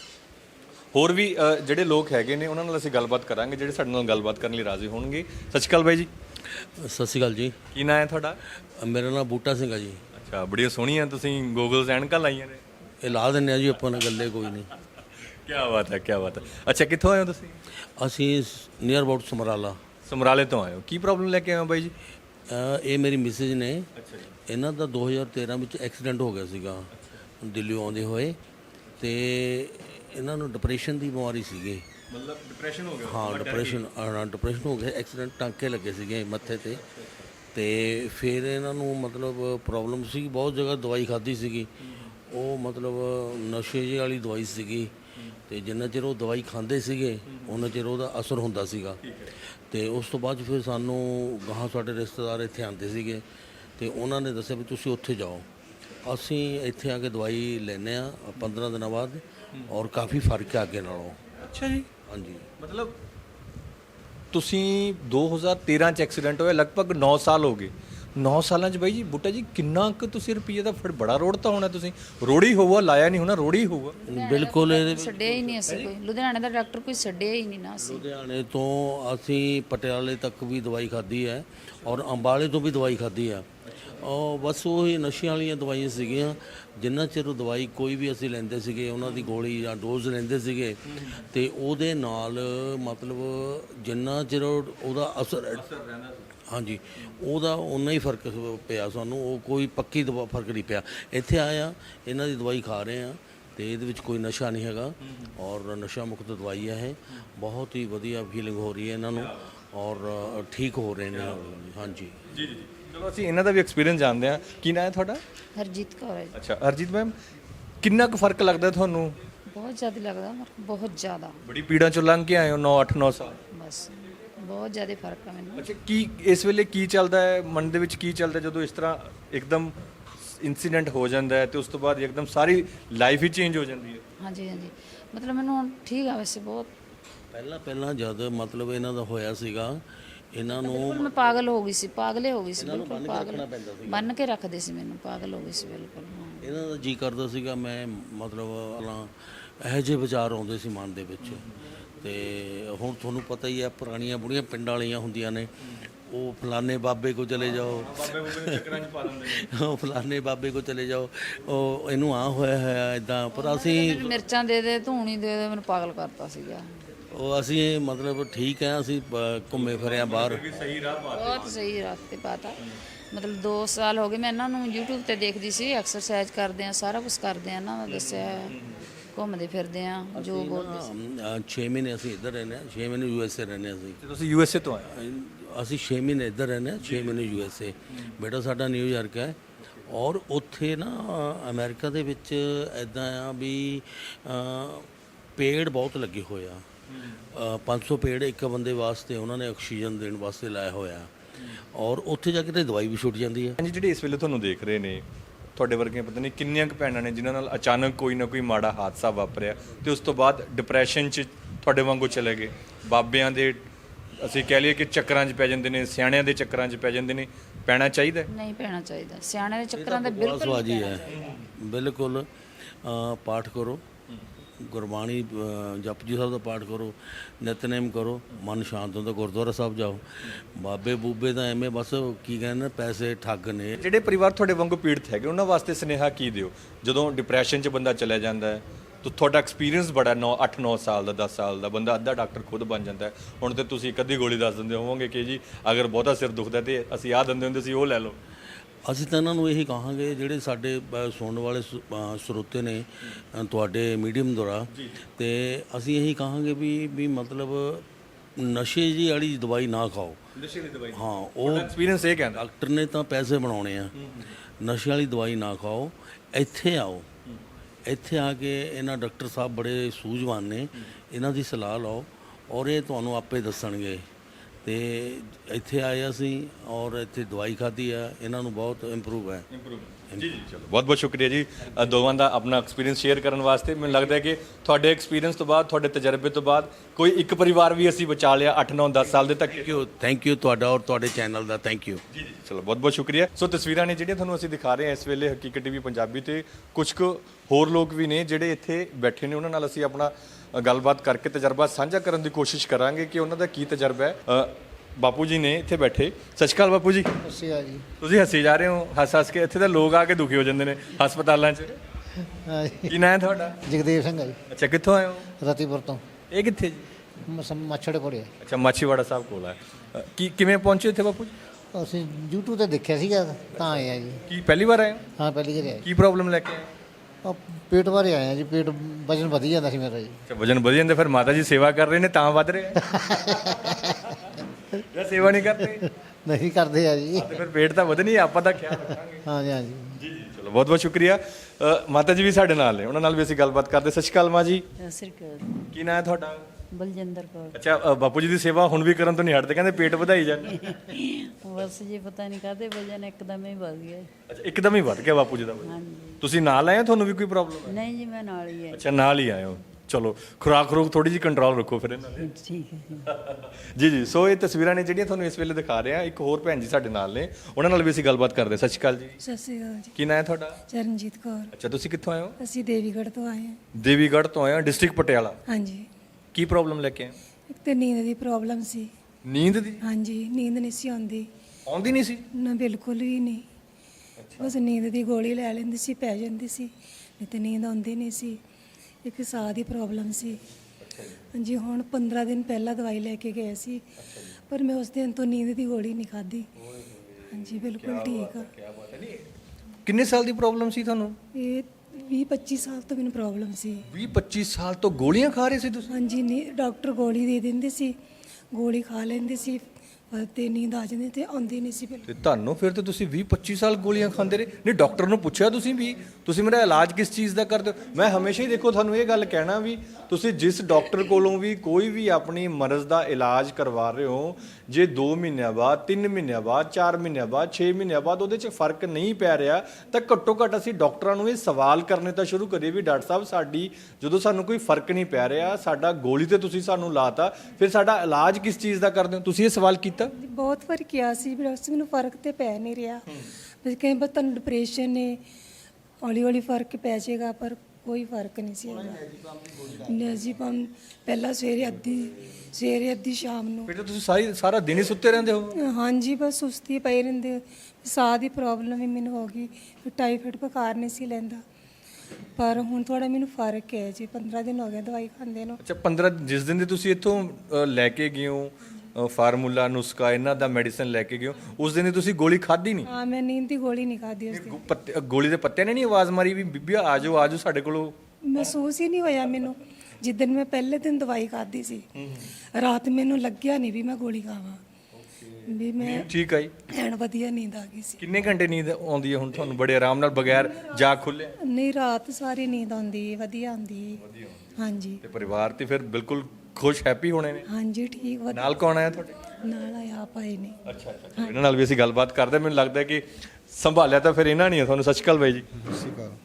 S4: ਹੋਰ ਵੀ ਜਿਹੜੇ ਲੋਕ ਹੈਗੇ ਨੇ ਉਹਨਾਂ ਨਾਲ ਅਸੀਂ ਗੱਲਬਾਤ ਕਰਾਂਗੇ, ਜਿਹੜੇ ਸਾਡੇ ਨਾਲ ਗੱਲਬਾਤ ਕਰਨ ਲਈ ਰਾਜ਼ੀ ਹੋਣਗੇ। ਸਤਿ ਸ਼੍ਰੀ ਅਕਾਲ ਬਾਈ ਜੀ।
S1: ਸਤਿ ਸ਼੍ਰੀ ਅਕਾਲ ਜੀ।
S4: ਕੀ ਨਾਂ ਹੈ ਤੁਹਾਡਾ?
S1: ਮੇਰਾ ਨਾਮ ਬੂਟਾ ਸਿੰਘ ਆ ਜੀ।
S4: ਅੱਛਾ, ਬੜੀਆਂ ਸੋਹਣੀਆਂ ਤੁਸੀਂ ਗੋਗਲਸ ਐਨਕਾਂ ਲਾਈਆਂ ਨੇ।
S1: ਇਹ ਲਾ ਦਿੰਦੇ ਆ ਜੀ ਆਪਾਂ ਨੇ, ਗੱਲੇ ਕੋਈ ਨਹੀਂ।
S4: ਕੀ ਬਾਤ ਹੈ, ਕੀ ਬਾਤ ਹੈ। ਅੱਛਾ, ਕਿੱਥੋਂ ਆਏ ਹੋ ਤੁਸੀਂ?
S1: ਅਸੀਂ ਨੀਅਰ ਅਬਾਊਟ ਸਮਰਾਲਾ।
S4: ਸਮਰਾਲੇ ਤੋਂ ਆਏ ਹੋ। ਕੀ ਪ੍ਰੋਬਲਮ ਲੈ ਕੇ ਆਏ ਹੋ ਬਾਈ ਜੀ?
S1: ਇਹ ਮੇਰੀ ਮਿਸਿਜ ਨੇ,
S4: ਅੱਛਾ ਜੀ।
S1: ਇਹਨਾਂ ਦਾ 2013 ਵਿੱਚ ਐਕਸੀਡੈਂਟ ਹੋ ਗਿਆ ਸੀਗਾ ਦਿੱਲੀੋਂ ਆਉਂਦੇ ਹੋਏ, ਤੇ ਇਹਨਾਂ ਨੂੰ ਡਿਪਰੈਸ਼ਨ ਦੀ ਬਿਮਾਰੀ ਸੀਗੀ।
S4: ਮਤਲਬ ਡਿਪਰੈਸ਼ਨ ਹੋ ਗਿਆ?
S1: ਹਾਂ, ਡਿਪਰੈਸ਼ਨ ਹੋ ਗਿਆ। ਐਕਸੀਡੈਂਟ, ਟਾਂਕੇ ਲੱਗੇ ਸੀਗੇ ਮੱਥੇ ਤੇ ਫਿਰ ਇਹਨਾਂ ਨੂੰ ਮਤਲਬ ਪ੍ਰੋਬਲਮ ਸੀ, ਬਹੁਤ ਜਗ੍ਹਾ ਦਵਾਈ ਖਾਧੀ ਸੀਗੀ। ਉਹ ਮਤਲਬ ਨਸ਼ੇ ਜਿਹੀ ਵਾਲੀ ਦਵਾਈ ਸੀਗੀ, ਤੇ ਜਿੰਨਾ ਚਿਰ ਉਹ ਦਵਾਈ ਖਾਂਦੇ ਸੀਗੇ ਉਹਨਾਂ ਚਿਰ ਉਹਦਾ ਅਸਰ ਹੁੰਦਾ ਸੀਗਾ। ਤੇ ਉਸ ਤੋਂ ਬਾਅਦ ਫਿਰ ਸਾਨੂੰ ਗਾਹਾਂ ਸਾਡੇ ਰਿਸ਼ਤੇਦਾਰ ਇੱਥੇ ਆਉਂਦੇ ਸੀਗੇ, ਤੇ ਉਹਨਾਂ ਨੇ ਦੱਸਿਆ ਵੀ ਤੁਸੀਂ ਉੱਥੇ ਜਾਓ। ਅਸੀਂ ਇੱਥੇ ਆ ਕੇ ਦਵਾਈ ਲੈਂਦੇ ਆ 15 ਦਿਨਾਂ ਬਾਅਦ, ਔਰ ਕਾਫੀ ਫਰਕ ਹੈ ਅੱਗੇ ਨਾਲੋਂ।
S4: ਅੱਛਾ ਜੀ।
S1: ਹਾਂਜੀ।
S4: ਮਤਲਬ ਤੁਸੀਂ 2013 ਚ ਐਕਸੀਡੈਂਟ ਹੋਇਆ, ਲਗਭਗ 9 ਸਾਲ ਹੋ ਗਏ। 9 ਸਾਲਾਂ ਚ ਬਾਈ ਜੀ, ਬੂਟਾ ਜੀ, ਕਿੰਨਾ ਕੁ ਤੁਸੀਂ ਰੁਪਈਏ ਦਾ ਫਿਰ ਬੜਾ ਰੋੜ ਤਾਂ ਹੋਣਾ ਤੁਸੀਂ? ਰੋੜੀ ਹੋਊਗਾ, ਲਾਇਆ ਨਹੀਂ ਹੋਣਾ, ਰੋੜੀ ਹੋਊਗਾ।
S1: ਬਿਲਕੁਲ। ਇਹਦੇ
S2: ਛੱਡਿਆ ਹੀ ਨਹੀਂ ਅਸੀਂ, ਕੋਈ ਲੁਧਿਆਣੇ ਦਾ ਡਾਕਟਰ ਕੋਈ ਛੱਡਿਆ ਹੀ ਨਹੀਂ ਨਾ ਅਸੀਂ।
S1: ਲੁਧਿਆਣੇ ਤੋਂ ਅਸੀਂ ਪਟਿਆਲੇ ਤੱਕ ਵੀ ਦਵਾਈ ਖਾਧੀ ਹੈ, ਔਰ ਅੰਬਾਲੇ ਤੋਂ ਵੀ ਦਵਾਈ ਖਾਧੀ ਆ। ਉਹ ਬਸ ਉਹੀ ਨਸ਼ਿਆਂ ਵਾਲੀਆਂ ਦਵਾਈਆਂ ਸੀਗੀਆਂ। ਜਿੰਨਾ ਚਿਰ ਉਹ ਦਵਾਈ ਕੋਈ ਵੀ ਅਸੀਂ ਲੈਂਦੇ ਸੀਗੇ, ਉਹਨਾਂ ਦੀ ਗੋਲੀ ਜਾਂ ਡੋਜ਼ ਲੈਂਦੇ ਸੀਗੇ, ਤੇ ਉਹਦੇ ਨਾਲ ਮਤਲਬ ਜਿੰਨਾ ਚਿਰ ਉਹਦਾ ਅਸਰ ਹਾਂਜੀ, ਉਹਦਾ ਉਨਾ ਹੀ ਫਰਕ ਪਿਆ ਸਾਨੂੰ। ਉਹ ਕੋਈ ਪੱਕੀ ਫਰਕ ਨਹੀਂ ਪਿਆ। ਇੱਥੇ ਆਇਆ, ਇਹਨਾਂ ਦੀ ਦਵਾਈ ਖਾ ਰਹੇ ਆ, ਤੇ ਇਹਦੇ ਵਿੱਚ ਕੋਈ ਨਸ਼ਾ ਨਹੀਂ ਹੈਗਾ, ਔਰ ਨਸ਼ਾ ਮੁਕਤ ਦਵਾਈ ਹੈ ਇਹ। ਬਹੁਤ ਹੀ ਵਧੀਆ ਫੀਲਿੰਗ ਹੋ ਰਹੀ ਹੈ ਇਹਨਾਂ ਨੂੰ, ਔਰ ਠੀਕ ਹੋ ਰਹੇ ਨੇ। ਹਾਂਜੀ
S4: ਜੀ ਜੀ। ਚਲੋ ਅਸੀਂ ਇਹਨਾਂ ਦਾ ਵੀ ਐਕਸਪੀਰੀਅੰਸ ਜਾਣਦੇ ਹਾਂ। ਕੀ ਨਾਂ ਹੈ ਤੁਹਾਡਾ?
S2: ਹਰਜੀਤ ਕੌਰ ਹੈ ਜੀ।
S4: ਅੱਛਾ, ਹਰਜੀਤ ਮੈਮ, ਕਿੰਨਾ ਕੁ ਫਰਕ ਲੱਗਦਾ ਤੁਹਾਨੂੰ?
S2: ਬਹੁਤ ਜ਼ਿਆਦਾ ਲੱਗਦਾ, ਬਹੁਤ ਜ਼ਿਆਦਾ।
S4: ਬੜੀ ਪੀੜਾਂ ਚੋਂ ਲੰਘ ਕੇ ਆਏ ਹੋ 8-9 ਸਾਲ।
S2: ਬਸ ਬਹੁਤ ਜ਼ਿਆਦਾ ਫਰਕ ਆ ਮੈਨੂੰ।
S4: ਅੱਛਾ, ਕੀ ਇਸ ਵੇਲੇ ਕੀ ਚੱਲਦਾ ਹੈ ਮਨ ਦੇ ਵਿੱਚ? ਕੀ ਚੱਲਦਾ ਜਦੋਂ ਇਸ ਤਰ੍ਹਾਂ ਇੱਕਦਮ ਇਨਸੀਡੈਂਟ ਹੋ ਜਾਂਦਾ ਹੈ ਤੇ ਉਸ ਤੋਂ ਬਾਅਦ ਇੱਕਦਮ ਸਾਰੀ ਲਾਈਫ ਹੀ ਚੇਂਜ ਹੋ ਜਾਂਦੀ ਹੈ?
S2: ਹਾਂਜੀ ਹਾਂਜੀ, ਮਤਲਬ ਮੈਨੂੰ ਹੁਣ ਠੀਕ ਆ ਵੈਸੇ ਬਹੁਤ।
S1: ਪਹਿਲਾਂ ਜਦ ਮਤਲਬ ਇਹਨਾਂ ਦਾ ਹੋਇਆ ਸੀਗਾ, ਇਹਨਾਂ ਨੂੰ
S2: ਮੈਂ ਪਾਗਲ ਹੋ ਗਈ ਸੀ, ਪਾਗਲੇ ਹੋ ਗਈ ਸੀ ਬਿਲਕੁਲ। ਪਾਗਲ ਬੰਨ ਕੇ ਰੱਖਦੇ ਸੀ ਮੈਨੂੰ, ਪਾਗਲ ਹੋ ਗਈ ਸੀ ਬਿਲਕੁਲ।
S1: ਇਹਨਾਂ ਦਾ ਜੀ ਕਰਦਾ ਸੀਗਾ ਮੈਂ ਮਤਲਬ ਇਹੋ ਜਿਹੇ ਵਿਚਾਰ ਆਉਂਦੇ ਸੀ ਮਨ ਦੇ ਵਿੱਚ। ਤੇ ਹੁਣ ਤੁਹਾਨੂੰ ਪਤਾ ਹੀ ਹੈ, ਪੁਰਾਣੀਆਂ ਬੁੜੀਆਂ ਪਿੰਡਾਂ ਵਾਲੀਆਂ ਹੁੰਦੀਆਂ ਨੇ, ਉਹ ਫਲਾਣੇ ਬਾਬੇ ਕੋ ਚਲੇ ਜਾਓ, ਉਹ ਫਲਾਣੇ ਬਾਬੇ ਕੋ ਚਲੇ ਜਾਓ, ਉਹ ਇਹਨੂੰ ਆ ਹੋਇਆ ਇਦਾਂ। ਪਰ ਅਸੀਂ
S2: ਮਿਰਚਾਂ ਦੇ ਦੇ, ਧੂਣੀ ਦੇ ਦੇ, ਮੈਨੂੰ ਪਾਗਲ ਕਰਤਾ ਸੀਗਾ।
S1: ਉਹ ਅਸੀਂ ਮਤਲਬ ਠੀਕ ਹੈ, ਅਸੀਂ ਘੁੰਮੇ ਫਿਰਿਆ ਬਾਹਰ।
S2: ਬਹੁਤ ਸਹੀ ਰਸਤੇ ਪਾਤਾ। ਮਤਲਬ 2 ਸਾਲ ਹੋ ਗਏ ਮੈਂ ਇਹਨਾਂ ਨੂੰ YouTube ਤੇ ਦੇਖਦੀ ਸੀ, ਐਕਸਰਸਾਈਜ਼ ਕਰਦੇ ਆ, ਸਾਰਾ ਕੁਝ ਕਰਦੇ ਆ, ਇਹਨਾਂ ਦਾ ਦੱਸਿਆ, ਘੁੰਮਦੇ ਫਿਰਦੇ ਆ ਜੋ ਬੋਲਦੇ ਸੀ।
S1: 6 ਮਹੀਨੇ ਅਸੀਂ ਇੱਧਰ ਰਹਿੰਦੇ ਹਾਂ, 6 ਮਹੀਨੇ USA ਰਹਿੰਦੇ ਹਾਂ ਅਸੀਂ।
S4: ਤੁਸੀਂ USA ਤੋਂ ਆਏ?
S1: ਅਸੀਂ 6 ਮਹੀਨੇ ਇੱਧਰ ਰਹਿੰਦੇ ਹਾਂ, 6 ਮਹੀਨੇ USA। ਬੇਟਾ ਸਾਡਾ ਨਿਊਯਾਰਕ ਹੈ, ਔਰ ਉੱਥੇ ਨਾ ਅਮਰੀਕਾ ਦੇ ਵਿੱਚ ਐਦਾਂ ਆ ਵੀ ਪੇੜ ਬਹੁਤ ਲੱਗੇ ਹੋਏ ਆ 500 ਪੇੜ ਇੱਕ ਬੰਦੇ ਵਾਸਤੇ ਉਹਨਾਂ ਨੇ ਆਕਸੀਜਨ ਦੇਣ ਵਾਸਤੇ ਲਾਇਆ ਹੋਇਆ ਔਰ ਉੱਥੇ ਜਾ ਕੇ ਤੇ ਦਵਾਈ ਵੀ ਛੁੱਟ ਜਾਂਦੀ ਹੈ।
S4: ਹਾਂਜੀ, ਜਿਹੜੇ ਇਸ ਵੇਲੇ ਤੁਹਾਨੂੰ ਦੇਖ ਰਹੇ ਨੇ ਤੁਹਾਡੇ ਵਰਗੀਆਂ ਪਤਾ ਨਹੀਂ ਕਿੰਨੀਆਂ ਕੁ ਭੈਣਾਂ ਨੇ ਜਿਨ੍ਹਾਂ ਨਾਲ ਅਚਾਨਕ ਕੋਈ ਨਾ ਕੋਈ ਮਾੜਾ ਹਾਦਸਾ ਵਾਪਰਿਆ ਤੇ ਉਸ ਤੋਂ ਬਾਅਦ ਡਿਪਰੈਸ਼ਨ 'ਚ ਤੁਹਾਡੇ ਵਾਂਗੂ ਚਲੇ ਗਏ। ਬਾਬਿਆਂ ਦੇ ਅਸੀਂ ਕਹਿ ਲਈਏ ਕਿ ਚੱਕਰਾਂ 'ਚ ਪੈ ਜਾਂਦੇ ਨੇ, ਸਿਆਣਿਆਂ ਦੇ ਚੱਕਰਾਂ 'ਚ ਪੈ ਜਾਂਦੇ ਨੇ। ਪੈਣਾ ਚਾਹੀਦਾ?
S2: ਨਹੀਂ ਪੈਣਾ ਚਾਹੀਦਾ, ਸਿਆਣੇ ਦੇ ਚੱਕਰਾਂ ਦੇ ਬਿਲਕੁਲ
S1: ਸਵਾਜੀ ਹੈ ਬਿਲਕੁਲ। ਪਾਠ ਕਰੋ, ਗੁਰਬਾਣੀ ਜਪਜੀ ਸਾਹਿਬ ਦਾ ਪਾਠ ਕਰੋ, ਨਿਤਨੇਮ ਕਰੋ, ਮਨ ਸ਼ਾਂਤ ਹੁੰਦਾ, ਗੁਰਦੁਆਰਾ ਸਾਹਿਬ ਜਾਓ। ਬਾਬੇ ਬੂਬੇ ਤਾਂ ਐਵੇਂ ਬਸ ਕੀ ਕਹਿੰਦੇ ਪੈਸੇ ਠੱਗ ਨੇ।
S4: ਜਿਹੜੇ ਪਰਿਵਾਰ ਤੁਹਾਡੇ ਵਾਂਗੂ ਪੀੜਤ ਹੈਗੇ ਉਹਨਾਂ ਵਾਸਤੇ ਸੁਨੇਹਾ ਕੀ ਦਿਓ ਜਦੋਂ ਡਿਪਰੈਸ਼ਨ 'ਚ ਬੰਦਾ ਚਲਾ ਜਾਂਦਾ ਹੈ? ਤੁਹਾਡਾ ਐਕਸਪੀਰੀਅੰਸ ਬੜਾ 8-9 ਸਾਲ ਦਾ 10 ਸਾਲ ਦਾ ਬੰਦਾ ਅੱਧਾ ਡਾਕਟਰ ਖੁਦ ਬਣ ਜਾਂਦਾ ਹੈ। ਹੁਣ ਤੇ ਤੁਸੀਂ ਇੱਕ ਅੱਧੀ ਗੋਲੀ ਦੱਸ ਦਿੰਦੇ ਹੋਵੋਗੇ ਕਿ ਜੀ ਅਗਰ ਬਹੁਤਾ ਸਿਰ ਦੁਖਦਾ ਤੇ ਅਸੀਂ ਆਹ ਦਿੰਦੇ ਹੁੰਦੇ ਸੀ ਉਹ ਲੈ ਲਓ।
S1: ਅਸੀਂ ਤਾਂ ਇਹਨਾਂ ਨੂੰ ਇਹੀ ਕਹਾਂਗੇ ਜਿਹੜੇ ਸਾਡੇ ਸੁਣਨ ਵਾਲੇ ਸਰੋਤੇ ਨੇ ਤੁਹਾਡੇ ਮੀਡੀਅਮ ਦੁਆਰਾ, ਤੇ ਅਸੀਂ ਇਹੀ ਕਹਾਂਗੇ ਵੀ ਮਤਲਬ ਨਸ਼ੇ ਜੀ ਵਾਲੀ ਦਵਾਈ ਨਾ ਖਾਓ।
S4: ਨਸ਼ੇ ਦੀ ਦਵਾਈ?
S1: ਹਾਂ, ਉਹ
S4: ਐਕਸਪੀਰੀਅੰਸ ਇਹ ਕਹਿੰਦਾ
S1: ਡਾਕਟਰ ਨੇ ਤਾਂ ਪੈਸੇ ਬਣਾਉਣੇ ਆ। ਨਸ਼ੇ ਵਾਲੀ ਦਵਾਈ ਨਾ ਖਾਓ, ਇੱਥੇ ਆਓ। ਇੱਥੇ ਆ ਕੇ ਇਹਨਾਂ ਡਾਕਟਰ ਸਾਹਿਬ ਬੜੇ ਸੂਝਵਾਨ ਨੇ, ਇਹਨਾਂ ਦੀ ਸਲਾਹ ਲਓ ਔਰ ਇਹ ਤੁਹਾਨੂੰ ਆਪੇ ਦੱਸਣਗੇ। ਤੇ ਇੱਥੇ ਆਏ ਅਸੀਂ ਔਰ ਇੱਥੇ ਦਵਾਈ ਖਾਧੀ ਆ, ਇਹਨਾਂ ਨੂੰ ਬਹੁਤ ਇੰਪਰੂਵ ਹੈ।
S4: ਜੀ ਜੀ, ਚਲੋ ਬਹੁਤ ਬਹੁਤ ਸ਼ੁਕਰੀਆ ਜੀ ਦੋਵਾਂ ਦਾ ਆਪਣਾ ਐਕਸਪੀਰੀਅੰਸ ਸ਼ੇਅਰ ਕਰਨ ਵਾਸਤੇ। ਮੈਨੂੰ ਲੱਗਦਾ ਹੈ ਕਿ ਤੁਹਾਡੇ ਐਕਸਪੀਰੀਅੰਸ ਤੋਂ ਬਾਅਦ, ਤੁਹਾਡੇ ਤਜਰਬੇ ਤੋਂ ਬਾਅਦ ਕੋਈ ਇੱਕ ਪਰਿਵਾਰ ਵੀ ਅਸੀਂ ਬਚਾ ਲਿਆ 8-9-10 ਸਾਲ ਦੇ ਤੱਕ।
S1: ਥੈਂਕ ਯੂ ਤੁਹਾਡਾ ਔਰ ਤੁਹਾਡੇ ਚੈਨਲ ਦਾ ਥੈਂਕ ਯੂ।
S4: ਜੀ ਜੀ, ਚਲੋ ਬਹੁਤ ਬਹੁਤ ਸ਼ੁਕਰੀਆ। ਸੋ ਤਸਵੀਰਾਂ ਨੇ ਜਿਹੜੀਆਂ ਤੁਹਾਨੂੰ ਅਸੀਂ ਦਿਖਾ ਰਹੇ ਹਾਂ ਇਸ ਵੇਲੇ ਹਕੀਕਤ ਟੀਵੀ ਪੰਜਾਬੀ ਤੇ, ਕੁਝ ਕੁ ਹੋਰ ਲੋਕ ਵੀ ਨੇ ਜਿਹੜੇ ਇੱਥੇ ਬੈਠੇ ਨੇ, ਉਹਨਾਂ ਨਾਲ ਅਸੀਂ ਆਪਣਾ ਗੱਲਬਾਤ ਕਰਕੇ ਤਜਰਬਾ ਸਾਂਝਾ ਕਰਨ ਦੀ ਕੋਸ਼ਿਸ਼ ਕਰਾਂਗੇ ਕਿ ਉਹਨਾਂ ਦਾ ਕੀ ਤਜਰਬਾ ਹੈ। ਬਾਪੂ ਜੀ ਨੇ ਇੱਥੇ ਬੈਠੇ। ਸਤਿ ਸ਼੍ਰੀ ਅਕਾਲ ਬਾਪੂ ਜੀ।
S9: ਸਤਿ ਸ਼੍ਰੀ ਅਕਾਲ ਜੀ।
S4: ਤੁਸੀਂ ਹੱਸੀ ਜਾ ਰਹੇ ਹੋ, ਹੱਸ ਕੇ। ਇੱਥੇ ਤਾਂ ਲੋਕ ਆ ਕੇ ਦੁਖੀ ਹੋ ਜਾਂਦੇ ਨੇ ਹਸਪਤਾਲਾਂ 'ਚ। ਕੀ ਨਾਂ ਹੈ ਤੁਹਾਡਾ?
S9: ਜਗਦੇਵ ਸਿੰਘ ਆ ਜੀ।
S4: ਅੱਛਾ, ਕਿੱਥੋਂ ਆਏ ਹੋ?
S9: ਰਤੀਪੁਰ ਤੋਂ।
S4: ਇਹ ਕਿੱਥੇ ਜੀ?
S9: ਮੱਛੜ ਕੋਲੇ।
S4: ਅੱਛਾ, ਮਾਛੀਵਾੜਾ ਸਾਹਿਬ ਕੋਲ ਹੈ। ਕਿਵੇਂ ਪਹੁੰਚੇ ਇੱਥੇ ਬਾਪੂ ਜੀ?
S9: ਅਸੀਂ YouTube ਤੇ ਦੇਖਿਆ ਸੀਗਾ ਤਾਂ ਆਏ ਆ ਜੀ।
S4: ਕੀ ਪਹਿਲੀ ਵਾਰ ਆਏ ਹੋ?
S9: ਹਾਂ, ਪਹਿਲੀ ਵਾਰ ਆਏ।
S4: ਕੀ ਪ੍ਰੋਬਲਮ ਲੈ ਕੇ ਆਏ?
S9: ਪੇਟ ਬਾਰੇ ਆਏ ਆ ਜੀ। ਪੇਟ ਵਜਨ ਵਧੀ ਜਾਂਦਾ ਸੀ ਮੇਰਾ ਜੀ।
S4: ਅੱਛਾ, ਵਜਨ ਵਧੀ ਜਾਂਦਾ, ਫਿਰ ਮਾਤਾ ਜੀ ਸੇਵਾ ਕਰ ਰਹੇ ਨੇ ਤਾਂ ਵੱਧ ਰਿਹਾ ਜਾਂ ਸੇਵਾ ਨਹੀਂ ਕਰਦੇ?
S9: ਨਹੀਂ ਕਰਦੇ ਆ ਜੀ।
S4: ਤੇ ਫਿਰ ਪੇਟ ਤਾਂ ਵਧਣੀ, ਆਪਾਂ ਤਾਂ ਖਿਆਲ ਰੱਖਾਂਗੇ।
S9: ਹਾਂਜੀ ਹਾਂਜੀ
S4: ਜੀ ਜੀ, ਚਲੋ ਬਹੁਤ ਬਹੁਤ ਸ਼ੁਕਰੀਆ। ਮਾਤਾ ਜੀ ਵੀ ਸਾਡੇ ਨਾਲ ਨੇ, ਉਹਨਾਂ ਨਾਲ ਵੀ ਅਸੀਂ ਗੱਲਬਾਤ ਕਰਦੇ। ਸਤਿ ਸ਼੍ਰੀ ਅਕਾਲ ਮਾਂ ਜੀ।
S11: ਸਤਿ ਸ੍ਰੀ ਅਕਾਲ।
S4: ਕੀ ਨਾਂ ਹੈ ਤੁਹਾਡਾ?
S11: ਬਲਜਿੰਦਰ ਕੌਰ।
S4: ਅੱਛਾ, ਬਾਪੂ ਜੀ ਦੀ ਸੇਵਾ ਹੁਣ ਵੀ ਕਰਨ ਤੋਂ ਨਹੀਂ ਹਟਦੇ, ਕਹਿੰਦੇ ਪੇਟ ਵਧਾਈ ਜਾਂਦੇ।
S11: ਬਸ ਜੀ ਪਤਾ ਨਹੀਂ ਕਾਹਦੇ ਵਜਨ ਇੱਕਦਮ ਹੀ ਵੱਧ ਗਿਆ।
S4: ਅੱਛਾ, ਇੱਕਦਮ ਹੀ ਵੱਧ ਗਿਆ ਬਾਪੂ ਜੀ ਦਾ ਵਜਨ।
S11: ਹਾਂਜੀ।
S4: ਤੁਸੀਂ ਨਾਲ ਆਏ ਹੋ? ਤੁਹਾਨੂੰ ਵੀ ਕੋਈ ਪ੍ਰੋਬਲਮ ਹੈ?
S11: ਨਹੀਂ ਜੀ, ਮੈਂ ਨਾਲ ਹੀ ਹੈ।
S4: ਅੱਛਾ, ਨਾਲ ਹੀ ਆਏ ਹੋ। ਚਲੋ, ਖੁਰਾਕ ਥੋੜੀ ਜਿਹੀ ਕੰਟਰੋਲ ਰੱਖੋ ਫਿਰ ਇਹਨਾਂ ਦੇ।
S11: ਠੀਕ ਹੈ
S4: ਜੀ ਜੀ। ਸੋ ਇਹ ਤਸਵੀਰਾਂ ਨੇ ਜਿਹੜੀਆਂ ਤੁਹਾਨੂੰ ਇਸ ਵੇਲੇ ਦਿਖਾ ਰਹੇ ਹਾਂ। ਇੱਕ ਹੋਰ ਭੈਣ ਜੀ ਸਾਡੇ ਨਾਲ ਨੇ, ਉਹਨਾਂ ਨਾਲ ਵੀ ਅਸੀਂ ਗੱਲਬਾਤ ਕਰਦੇ। ਸਤਿ ਸ਼੍ਰੀ ਅਕਾਲ ਜੀ।
S3: ਸਤਿ ਸ਼੍ਰੀ ਅਕਾਲ ਜੀ।
S4: ਕੀ ਨਾਂ ਹੈ ਤੁਹਾਡਾ?
S3: ਚਰਨਜੀਤ ਕੌਰ।
S4: ਅੱਛਾ, ਤੁਸੀਂ ਕਿੱਥੋਂ ਆਏ ਹੋ?
S3: ਅਸੀਂ ਦੇਵੀਗੜ੍ਹ ਤੋਂ ਆਏ ਹਾਂ।
S4: ਦੇਵੀਗੜ੍ਹ ਤੋਂ ਆਏ ਹੋ, ਡਿਸਟ੍ਰਿਕਟ ਪਟਿਆਲਾ।
S3: ਹਾਂਜੀ।
S4: ਕੀ ਪ੍ਰੋਬਲਮ ਲੈ ਕੇ ਆਏ?
S3: ਇੱਕ ਤੇ ਨੀਂਦ ਦੀ ਪ੍ਰੋਬਲਮ ਸੀ।
S4: ਨੀਂਦ ਦੀ?
S3: ਹਾਂਜੀ, ਨੀਂਦ ਨਹੀਂ ਸੀ ਆਉਂਦੀ।
S4: ਆਉਂਦੀ ਨਹੀਂ ਸੀ?
S3: ਨਾ, ਬਿਲਕੁਲ ਵੀ ਨਹੀਂ। ਬਸ ਨੀਂਦ ਦੀ ਗੋਲੀ ਲੈ ਲੈਂਦੀ ਸੀ, ਪੈ ਜਾਂਦੀ ਸੀ, ਨਹੀਂ ਤੇ ਨੀਂਦ ਆਉਂਦੀ ਨਹੀਂ ਸੀ। ਇੱਕ ਸਾਹ ਦੀ ਪ੍ਰੋਬਲਮ ਸੀ। ਹਾਂਜੀ, ਹੁਣ 15 ਦਿਨ ਪਹਿਲਾਂ ਦਵਾਈ ਲੈ ਕੇ ਗਏ ਸੀ, ਪਰ ਮੈਂ ਉਸ ਦਿਨ ਤੋਂ ਨੀਂਦ ਦੀ ਗੋਲੀ ਨਹੀਂ ਖਾਧੀ। ਹਾਂਜੀ, ਬਿਲਕੁਲ ਠੀਕ ਆ।
S4: ਕਿੰਨੇ ਸਾਲ ਦੀ ਪ੍ਰੋਬਲਮ ਸੀ ਤੁਹਾਨੂੰ?
S3: ਇਹ 20-25 ਸਾਲ ਤੋਂ ਮੈਨੂੰ ਪ੍ਰੋਬਲਮ ਸੀ।
S4: 20-25 ਸਾਲ ਤੋਂ ਗੋਲੀਆਂ ਖਾ ਰਹੇ ਸੀ ਤੁਸੀਂ?
S3: ਹਾਂਜੀ, ਨਹੀਂ, ਡਾਕਟਰ ਗੋਲੀ ਦੇ ਦਿੰਦੇ ਸੀ, ਗੋਲੀ ਖਾ ਲੈਂਦੇ ਸੀ ਤੇ ਨੀਂਦ ਆ ਜਾਂਦੀ ਤੇ ਆਉਂਦੀ ਨਹੀਂ ਸੀ ਬਿਲਕੁਲ।
S4: ਤੇ ਤੁਹਾਨੂੰ ਫਿਰ ਤੇ ਤੁਸੀਂ 20-25 ਸਾਲ ਗੋਲੀਆਂ ਖਾਂਦੇ ਰਹੇ। ਨਹੀਂ, ਡਾਕਟਰ ਨੂੰ ਪੁੱਛਿਆ ਤੁਸੀਂ ਵੀ ਤੁਸੀਂ ਮੇਰਾ ਇਲਾਜ ਕਿਸ ਚੀਜ਼ ਦਾ ਕਰਦੇ ਹੋ? ਮੈਂ ਹਮੇਸ਼ਾ ਹੀ ਦੇਖੋ ਤੁਹਾਨੂੰ ਇਹ ਗੱਲ ਕਹਿਣਾ ਵੀ ਤੁਸੀਂ ਜਿਸ ਡਾਕਟਰ ਕੋਲੋਂ ਵੀ ਕੋਈ ਵੀ ਆਪਣੀ ਮਰਜ਼ ਦਾ ਇਲਾਜ ਕਰਵਾ ਰਹੇ ਹੋ, ਜੇ 2 ਮਹੀਨਿਆਂ ਬਾਅਦ, 3 ਮਹੀਨਿਆਂ ਬਾਅਦ, 4 ਮਹੀਨਿਆਂ ਬਾਅਦ, 6 ਮਹੀਨਿਆਂ ਬਾਅਦ ਉਹਦੇ 'ਚ ਫਰਕ ਨਹੀਂ ਪੈ ਰਿਹਾ, ਤਾਂ ਘੱਟੋ ਘੱਟ ਅਸੀਂ ਡਾਕਟਰਾਂ ਨੂੰ ਇਹ ਸਵਾਲ ਕਰਨੇ ਤਾਂ ਸ਼ੁਰੂ ਕਰੀਏ ਵੀ ਡਾਕਟਰ ਸਾਹਿਬ ਸਾਡੀ ਜਦੋਂ ਸਾਨੂੰ ਕੋਈ ਫਰਕ ਨਹੀਂ ਪੈ ਰਿਹਾ, ਸਾਡਾ ਗੋਲੀ ਤੇ ਤੁਸੀਂ ਸਾਨੂੰ ਲਾਤਾ, ਫਿਰ ਸਾਡਾ ਇਲਾਜ ਕਿਸ ਚੀਜ਼ ਦਾ ਕਰਦੇ ਹੋ? ਤੁਸੀਂ ਇਹ ਸਵਾਲ ਕੀਤਾ?
S3: ਬਹੁਤ ਵਾਰ ਕਿਹਾ ਸੀ ਵੀ ਡਾਕਟਰ ਮੈਨੂੰ ਫਰਕ ਤੇ ਪੈ ਨਹੀਂ ਰਿਹਾ। ਬਸ ਕਹਿੰਦੇ ਬਸ ਤੁਹਾਨੂੰ ਡਿਪਰੈਸ਼ਨ ਨੇ, ਹੌਲੀ ਹੌਲੀ ਫਰਕ ਪੈ ਜਾਏਗਾ, ਪਰ ਕੋਈ ਫਰਕ ਨਹੀਂ ਸੀ ਹੈਗਾ। ਨੈਜ਼ੀਪਮ ਪਹਿਲਾਂ ਸਵੇਰੇ ਅੱਧੀ ਸ਼ਾਮ ਨੂੰ।
S4: ਫਿਰ ਤਾਂ ਤੁਸੀਂ ਸਾਰਾ ਦਿਨ ਹੀ ਸੁੱਤੇ ਰਹਿੰਦੇ ਹੋ?
S3: ਹਾਂਜੀ, ਬਸ ਸੁਸਤੀ ਪਈ ਰਹਿੰਦੇ। ਸਾਹ ਦੀ ਪ੍ਰੋਬਲਮ ਵੀ ਮੈਨੂੰ ਹੋ ਗਈ, ਟਾਈਫਾਇਡ ਬੁਖਾਰ ਨਹੀਂ ਸੀ ਲੈਂਦਾ, ਪਰ ਹੁਣ ਥੋੜਾ ਮੈਨੂੰ ਫਰਕ ਹੈ ਜੀ। 15 ਦਿਨ ਹੋ ਗਏ ਦਵਾਈ ਖਾਂਦੇ ਨੂੰ।
S4: ਅੱਛਾ, 15 ਜਿਸ ਦਿਨ ਦੀ ਤੁਸੀਂ ਇੱਥੋਂ ਲੈ ਕੇ ਗਏ ਹੋ ਫਾਰਮੂਲਾ ਨੁਸਖਾ ਇਹਨਾਂ ਦਾ ਮੈਡੀਸਨ ਲੈ ਕੇ ਗਏ ਹੋ, ਉਸ ਦਿਨ ਦੀ ਤੁਸੀਂ ਗੋਲੀ ਖਾਧੀ ਨਹੀਂ?
S3: ਹਾਂ, ਮੈਂ ਨੀਂਦ ਦੀ ਗੋਲੀ ਨਹੀਂ ਖਾਧੀ ਉਸ ਦਿਨ।
S4: ਗੋਲੀ ਦੇ ਪੱਤਿਆਂ ਨੇ ਨਹੀਂ ਆਵਾਜ਼ ਮਾਰੀ ਵੀ ਬੀਬੀ ਆ ਜਾਓ ਸਾਡੇ ਕੋਲੋਂ?
S3: ਮਹਿਸੂਸ ਹੀ ਨਹੀਂ ਹੋਇਆ ਮੈਨੂੰ। ਜਿੱਦਣ ਮੈਂ ਪਹਿਲੇ ਦਿਨ ਦਵਾਈ ਖਾਧੀ ਸੀ, ਰਾਤ ਮੈਨੂੰ ਲੱਗਿਆ ਨਹੀਂ ਵੀ ਮੈਂ ਗੋਲੀ ਖਾਵਾਂ। ਵੀ ਮੈਂ
S4: ਠੀਕ ਆਈ?
S3: ਐਨ ਵਧੀਆ ਨੀਂਦ ਆ ਗਈ ਸੀ।
S4: ਕਿੰਨੇ ਘੰਟੇ ਨੀਂਦ ਆਉਂਦੀ ਹੈ ਹੁਣ ਤੁਹਾਨੂੰ ਬੜੇ ਆਰਾਮ ਨਾਲ ਬਗੈਰ ਜਾਗ ਖੁੱਲੇ?
S3: ਨਹੀਂ, ਰਾਤ ਸਾਰੀ ਨੀਂਦ ਆਉਂਦੀ, ਵਧੀਆ ਆਉਂਦੀ। ਹਾਂਜੀ
S4: ਤੇ ਪਰਿਵਾਰ ਤੇ ਫਿਰ ਬਿਲਕੁਲ ਖੁਸ਼ ਹੈਪੀ ਹੋਣੇ ਨੇ?
S3: ਹਾਂਜੀ, ਠੀਕ ਵਧੀਆ।
S4: ਨਾਲ ਕੌਣ ਆਇਆ ਤੁਹਾਡੇ?
S3: ਨਾਲ ਆਇਆ ਆਪ ਆਏ ਨੇ।
S4: ਅੱਛਾ ਅੱਛਾ, ਇਹਨਾਂ ਨਾਲ ਵੀ ਅਸੀਂ ਗੱਲਬਾਤ ਕਰਦੇ ਹਾਂ। ਮੈਨੂੰ ਲੱਗਦਾ ਕਿ ਸੰਭਾਲਿਆ ਤਾਂ ਫਿਰ ਇਹਨਾਂ ਨਹੀਂ ਹੈ ਤੁਹਾਨੂੰ। ਸਤਿ ਸ਼੍ਰੀ ਅਕਾਲ ਬਾਈ ਜੀ।
S9: ਸਤਿ ਸ਼੍ਰੀ ਅਕਾਲ।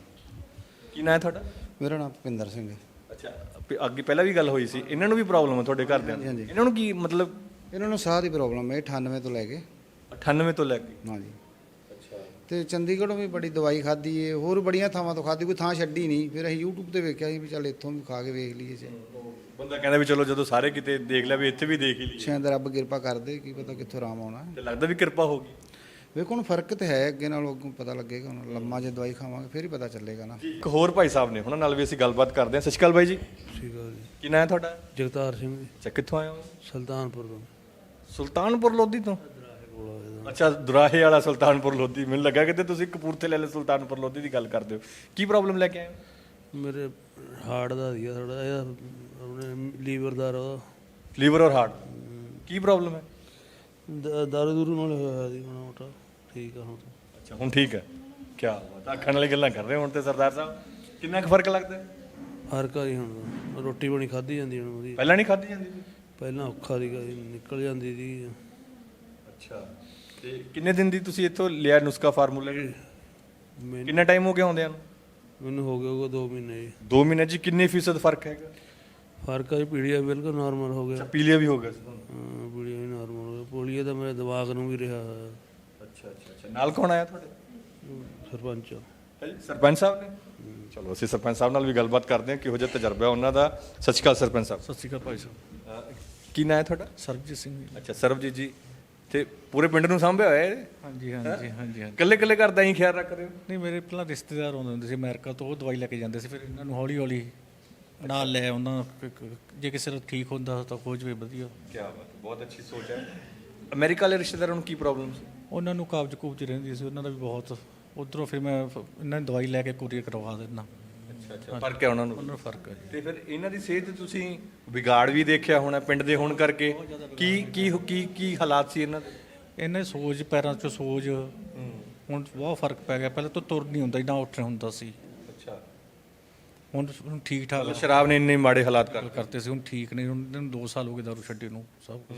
S4: ਕੀ ਨਾਂ ਹੈ ਤੁਹਾਡਾ?
S9: ਮੇਰਾ ਨਾਮ ਭੁਪਿੰਦਰ ਸਿੰਘ ਹੈ।
S4: ਅੱਛਾ, ਅੱਗੇ ਪਹਿਲਾਂ ਵੀ ਗੱਲ ਹੋਈ ਸੀ, ਇਹਨਾਂ ਨੂੰ ਵੀ ਪ੍ਰੋਬਲਮ ਹੈ ਤੁਹਾਡੇ ਘਰਦਿਆਂ ਨੂੰ? ਇਹਨਾਂ ਨੂੰ ਕੀ ਮਤਲਬ?
S9: ਇਹਨਾਂ ਨੂੰ ਸਾਹ ਦੀ ਪ੍ਰੋਬਲਮ ਹੈ 98 ਤੋਂ ਲੈ ਕੇ।
S4: 98 ਤੋਂ ਲੈ ਕੇ?
S9: ਹਾਂਜੀ। ਅੱਛਾ। ਤੇ ਚੰਡੀਗੜ੍ਹੋਂ ਵੀ ਬੜੀ ਦਵਾਈ ਖਾਧੀ ਏ, ਹੋਰ ਬੜੀਆਂ ਥਾਵਾਂ ਤੋਂ ਖਾਧੀ, ਕੋਈ ਥਾਂ ਛੱਡੀ ਨਹੀਂ। ਫਿਰ ਅਸੀਂ YouTube ਤੇ ਵੇਖਿਆ ਸੀ ਵੀ ਚੱਲ ਇੱਥੋਂ ਵੀ ਖਾ ਕੇ ਵੇਖ ਲਈਏ ਜੇ।
S4: ਬੰਦਾ ਕਹਿੰਦਾ ਵੀ ਚਲੋ ਜਦੋਂ ਸਾਰੇ ਕਿਤੇ ਦੇਖ ਲਿਆ ਵੀ ਇੱਥੇ ਵੀ ਦੇਖ ਹੀ ਲਈਏ।
S9: ਸ਼ਾਇਦ ਰੱਬ ਕਿਰਪਾ ਕਰਦੇ, ਕੀ ਪਤਾ ਕਿੱਥੋਂ ਆਰਾਮ ਆਉਣਾ।
S4: ਤੇ ਲੱਗਦਾ ਵੀ ਕਿਰਪਾ ਹੋ ਗਈ।
S9: ਵੇਖੋ ਹੁਣ ਫਰਕ ਤੇ ਹੈ, ਅੱਗੇ ਨਾਲੋਂ ਅੱਗੋਂ ਪਤਾ ਲੱਗੇਗਾ। ਹੁਣ ਲੰਮਾ ਜੇ ਦਵਾਈ ਖਾਵਾਂਗੇ ਫਿਰ ਹੀ ਪਤਾ ਚੱਲੇਗਾ ਨਾ।
S4: ਇੱਕ ਹੋਰ ਭਾਈ ਸਾਹਿਬ ਨੇ, ਉਹਨਾਂ ਨਾਲ ਵੀ ਅਸੀਂ ਗੱਲਬਾਤ ਕਰਦੇ ਹਾਂ। ਸਤਿ ਸ਼੍ਰੀ ਅਕਾਲ ਬਾਈ ਜੀ।
S5: ਸਤਿ ਸ਼੍ਰੀ ਅਕਾਲ ਜੀ।
S4: ਕੀ ਨਾਂ ਹੈ ਤੁਹਾਡਾ?
S5: ਜਗਤਾਰ ਸਿੰਘ ਜੀ,
S4: ਅੱਛਾ, ਕਿੱਥੋਂ ਆਏ ਹੋ?
S5: ਸੁਲਤਾਨਪੁਰ ਤੋਂ।
S4: ਸੁਲਤਾਨਪੁਰ ਲੋਧੀ ਤੋਂ? ਅੱਛਾ, ਦੁਰਾਹੇ ਵਾਲਾ ਸੁਲਤਾਨਪੁਰ ਲੋਧੀ। ਮੈਨੂੰ ਲੱਗਾ ਕਿ ਤੁਸੀਂ ਕਪੂਰਥਲੇ ਵਾਲੇ ਸੁਲਤਾਨਪੁਰ ਲੋਧੀ ਦੀ ਗੱਲ ਕਰਦੇ ਹੋ। ਕੀ ਪ੍ਰੋਬਲਮ ਲੈ ਕੇ ਆਏ ਹੋ?
S5: ਮੇਰੇ ਹਾਰਟ ਦਾ ਸੀਗਾ ਥੋੜਾ ਜਿਹਾ, ਆਪਣੇ ਲੀਵਰ ਦਾ।
S4: ਲੀਵਰ ਔਰ ਹਾਰਟ ਕੀ ਪ੍ਰੋਬਲਮ ਹੈ?
S5: ਦਾਰੂ ਦੂਰੂ ਨਾਲ ਹੋਇਆ ਸੀ ਮਾੜਾ ਮੋਟਾ। ਠੀਕ ਆ ਹੁਣ।
S4: ਅੱਛਾ, ਹੁਣ ਠੀਕ ਹੈ। ਕੀ ਬਾਤ, ਅੱਖਾਂ ਵਾਲੀ ਗੱਲਾਂ ਕਰ ਰਹੇ ਹੁਣ ਤੇ ਸਰਦਾਰ ਸਾਹਿਬ। ਕਿੰਨਾ ਕੁ ਫਰਕ ਲੱਗਦਾ ਹੈ?
S5: ਫਰਕ ਆ ਜੀ ਹੁਣ। ਰੋਟੀ ਪਾਣੀ ਖਾਧੀ ਜਾਂਦੀ ਹੁਣ ਉਹਦੀ।
S4: ਪਹਿਲਾਂ ਨਹੀਂ ਖਾਧੀ ਜਾਂਦੀ ਸੀ?
S5: ਪਹਿਲਾਂ ਔਖਾ ਸੀਗਾ ਜੀ, ਨਿਕਲ ਜਾਂਦੀ ਸੀ।
S4: ਅੱਛਾ, ਤੇ ਕਿੰਨੇ ਦਿਨ ਦੀ ਤੁਸੀਂ ਇੱਥੋਂ ਲਿਆ ਨੁਸਖਾ ਫਾਰਮੂਲਾ? ਕਿੰਨਾ ਟਾਈਮ ਹੋ ਗਿਆ ਆਉਂਦਿਆਂ ਨੂੰ?
S5: ਮੈਨੂੰ ਹੋ ਗਿਆ ਉਹ 2 ਮਹੀਨੇ ਜੀ।
S4: 2 ਮਹੀਨੇ 'ਚ ਕਿੰਨੇ ਫੀਸਦ ਫਰਕ ਹੈਗਾ?
S5: ਫਰਕ ਆ ਜੀ, ਪੀਲੀਆ ਬਿਲਕੁਲ ਨਾਰਮਲ ਹੋ ਗਿਆ।
S4: ਪੀਲੀਆ ਵੀ ਹੋ ਗਿਆ ਸੀ ਤੁਹਾਨੂੰ?
S5: ਹਾਂ, ਪੀਲੀਆ ਵੀ ਨਾਰਮਲ ਹੋ ਗਿਆ। ਪੋਲੀਆ ਤਾਂ ਮੇਰੇ ਦਿਮਾਗ ਨੂੰ ਵੀ ਰਿਹਾ ਹੋਇਆ।
S4: ਅੱਛਾ ਅੱਛਾ ਅੱਛਾ। ਨਾਲ ਕੌਣ ਆਇਆ ਤੁਹਾਡੇ?
S5: ਸਰਪੰਚ।
S4: ਹੈ ਜੀ, ਸਰਪੰਚ ਸਾਹਿਬ ਨੇ? ਚਲੋ ਅਸੀਂ ਸਰਪੰਚ ਸਾਹਿਬ ਨਾਲ ਵੀ ਗੱਲਬਾਤ ਕਰਦੇ ਹਾਂ, ਕਿਹੋ ਜਿਹਾ ਤਜਰਬਾ ਉਹਨਾਂ ਦਾ। ਸਤਿ ਸ਼੍ਰੀ ਅਕਾਲ ਸਰਪੰਚ ਸਾਹਿਬ।
S5: ਸਤਿ ਸ਼੍ਰੀ ਅਕਾਲ ਭਾਈ ਸਾਹਿਬ।
S4: ਕੀ ਨਾਂ ਹੈ ਤੁਹਾਡਾ?
S5: ਸਰਬਜੀਤ ਸਿੰਘ ਜੀ।
S4: ਅੱਛਾ, ਸਰਬਜੀਤ ਜੀ। ਤੇ ਪੂਰੇ ਪਿੰਡ ਨੂੰ ਸਾਂਭਿਆ ਹੋਇਆ ਹੈ?
S6: ਹਾਂਜੀ ਹਾਂਜੀ ਹਾਂਜੀ।
S4: ਇਕੱਲੇ ਇਕੱਲੇ ਘਰ ਦਾ ਹੀ ਖਿਆਲ ਰੱਖ ਰਹੇ ਹੋ?
S6: ਨਹੀਂ, ਮੇਰੇ ਪਹਿਲਾਂ ਰਿਸ਼ਤੇਦਾਰ ਆਉਂਦੇ ਹੁੰਦੇ ਸੀ ਅਮਰੀਕਾ ਤੋਂ, ਉਹ ਦਵਾਈ ਲੈ ਕੇ ਜਾਂਦੇ ਸੀ। ਫਿਰ ਇਹਨਾਂ ਨੂੰ ਹੌਲੀ ਹੌਲੀ ਨਾਲ ਲੈ ਉਹਨਾਂ, ਜੇ ਕਿਸੇ ਦਾ ਠੀਕ ਹੁੰਦਾ ਤਾਂ ਹੋ ਜਾਵੇ ਵਧੀਆ।
S4: ਕੀ ਬਾਤ, ਬਹੁਤ ਅੱਛੀ ਸੋਚ ਹੈ। ਅਮਰੀਕਾ ਵਾਲੇ ਰਿਸ਼ਤੇਦਾਰਾਂ ਨੂੰ ਕੀ ਪ੍ਰੋਬਲਮ ਸੀ?
S6: ਉਹਨਾਂ ਨੂੰ ਕਾਬਜ਼ ਕੂਬਜ਼ ਰਹਿੰਦੀ ਸੀ, ਉਹਨਾਂ ਦਾ ਵੀ ਬਹੁਤ। ਉੱਧਰੋਂ ਫਿਰ ਮੈਂ ਇਹਨਾਂ ਦੀ ਦਵਾਈ ਲੈ ਕੇ ਕੋਰੀਅਰ ਕਰਵਾ ਦਿੰਦਾ।
S4: ਅੱਛਾ ਅੱਛਾ, ਫਰਕ ਹੈ ਉਹਨਾਂ ਨੂੰ?
S6: ਉਹਨਾਂ ਨੂੰ ਫਰਕ ਹੈ ਜੀ।
S4: ਤੇ ਫਿਰ ਇਹਨਾਂ ਦੀ ਸਿਹਤ ਤੁਸੀਂ ਵਿਗਾੜ ਵੀ ਦੇਖਿਆ ਹੋਣਾ ਪਿੰਡ ਦੇ ਹੋਣ ਕਰਕੇ। ਕੀ ਕੀ ਕੀ ਕੀ ਹਾਲਾਤ ਸੀ ਇਹਨਾਂ ਦੇ?
S6: ਇਹਨਾਂ ਦੀ ਸੋਜ, ਪੈਰਾਂ 'ਚੋਂ ਸੋਜ, ਹੁਣ ਬਹੁਤ ਫਰਕ ਪੈ ਗਿਆ। ਪਹਿਲਾਂ ਤਾਂ ਤੁਰ ਨਹੀਂ ਹੁੰਦਾ, ਨਾ ਉੱਠ ਹੁੰਦਾ ਸੀ।
S4: ਅੱਛਾ,
S6: ਹੁਣ ਠੀਕ ਠਾਕ
S4: ਸ਼ਰਾਬ ਨੇ ਇੰਨੇ ਮਾੜੇ ਹਾਲਾਤ
S6: ਕਰਤੇ ਸੀ, ਹੁਣ ਠੀਕ ਨੇ। ਹੁਣ ਇਹਨਾਂ ਨੂੰ 2 ਸਾਲ ਹੋ ਗਏ ਦਾਰੂ ਛੱਡੇ ਨੂੰ, ਸਭ ਕੁਝ।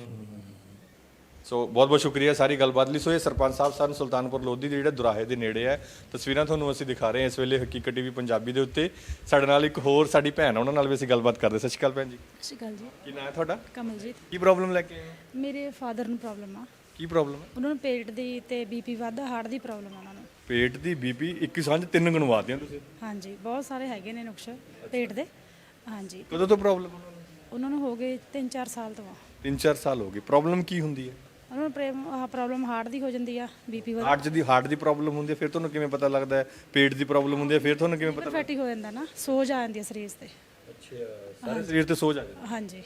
S4: ਸੋ ਬਹੁਤ ਬਹੁਤ ਸ਼ੁਕਰੀਆ ਸਾਰੀ ਗੱਲਬਾਤ ਲਈ। ਸੋ ਇਹ ਸਰਪੰਚ ਸਾਹਿਬ ਸਨ ਸੁਲਤਾਨਪੁਰ ਲੋਧੀ ਦੇ, ਜਿਹੜਾ ਦੁਰਾਹੇ ਦੇ ਨੇੜੇ ਹੈ। ਤਸਵੀਰਾਂ ਤੁਹਾਨੂੰ ਅਸੀਂ ਦਿਖਾ ਰਹੇ ਹਾਂ ਇਸ ਵੇਲੇ ਹਕੀਕਤ ਟੀਵੀ ਪੰਜਾਬੀ ਦੇ ਉੱਤੇ। ਸਾਡੇ ਨਾਲ ਇੱਕ ਹੋਰ ਸਾਡੀ ਭੈਣ, ਉਹਨਾਂ ਨਾਲ ਵੀ ਅਸੀਂ ਗੱਲਬਾਤ ਕਰਦੇ। ਸਤਿ ਸ਼੍ਰੀ ਅਕਾਲ ਭੈਣ ਜੀ।
S12: ਸਤਿ ਸ਼੍ਰੀ ਅਕਾਲ ਜੀ।
S4: ਕੀ ਨਾਂ ਹੈ ਤੁਹਾਡਾ?
S12: ਕਮਲਜੀਤ।
S4: ਕੀ ਪ੍ਰੋਬਲਮ ਲੈ ਕੇ ਆਏ ਹੋ?
S12: ਮੇਰੇ ਫਾਦਰ ਨੂੰ ਪ੍ਰੋਬਲਮ ਆ।
S4: ਕੀ ਪ੍ਰੋਬਲਮ ਹੈ?
S12: ਉਹਨਾਂ ਨੂੰ ਪੇਟ ਦੀ ਤੇ ਬੀਪੀ ਵੱਧਦਾ, ਹਾਰਟ ਦੀ ਪ੍ਰੋਬਲਮ ਆ ਉਹਨਾਂ ਨੂੰ।
S4: ਪੇਟ ਦੀ, ਬੀਪੀ, ਇੱਕ ਸਾਂਝ 3 ਗਣਵਾਤੀਆਂ ਤੁਸੀਂ?
S12: ਹਾਂਜੀ, ਬਹੁਤ ਸਾਰੇ ਹੈਗੇ ਨੇ ਨੁਕਸ ਪੇਟ ਦੇ। ਹਾਂਜੀ।
S4: ਕਦੋਂ ਤੋਂ ਪ੍ਰੋਬਲਮ
S12: ਉਹਨਾਂ ਨੂੰ ਹੋ ਗਏ 3-4 ਸਾਲ ਤੋਂ।
S4: 3-4 ਸਾਲ ਹੋ ਗਏ। ਪ੍ਰੋਬਲਮ ਕੀ ਹੁੰਦੀ ਹੈ?
S12: ਉਹਨਾਂ ਨੂੰ ਪ੍ਰੋਬਲਮ ਹਾਰਟ ਦੀ ਹੋ ਜਾਂਦੀ ਆ, ਬੀਪੀ ਵੱਧ।
S4: ਹਾਰਟ ਦੀ ਪ੍ਰੋਬਲਮ ਹੁੰਦੀ ਹੈ, ਫਿਰ ਤੁਹਾਨੂੰ ਕਿਵੇਂ ਪਤਾ ਲੱਗਦਾ ਹੈ? ਪੇਟ ਦੀ ਪ੍ਰੋਬਲਮ ਹੁੰਦੀ ਹੈ, ਫਿਰ ਤੁਹਾਨੂੰ ਕਿਵੇਂ ਪਤਾ?
S12: ਫੈਟੀ ਹੋ ਜਾਂਦਾ ਨਾ, ਸੋਜ ਆ ਜਾਂਦੀ ਹੈ ਸਰੀਰ ਤੇ।
S4: ਅੱਛਾ, ਸਾਰੇ ਸਰੀਰ ਤੇ ਸੋਜ ਆ ਜਾਂਦੀ?
S12: ਹਾਂਜੀ।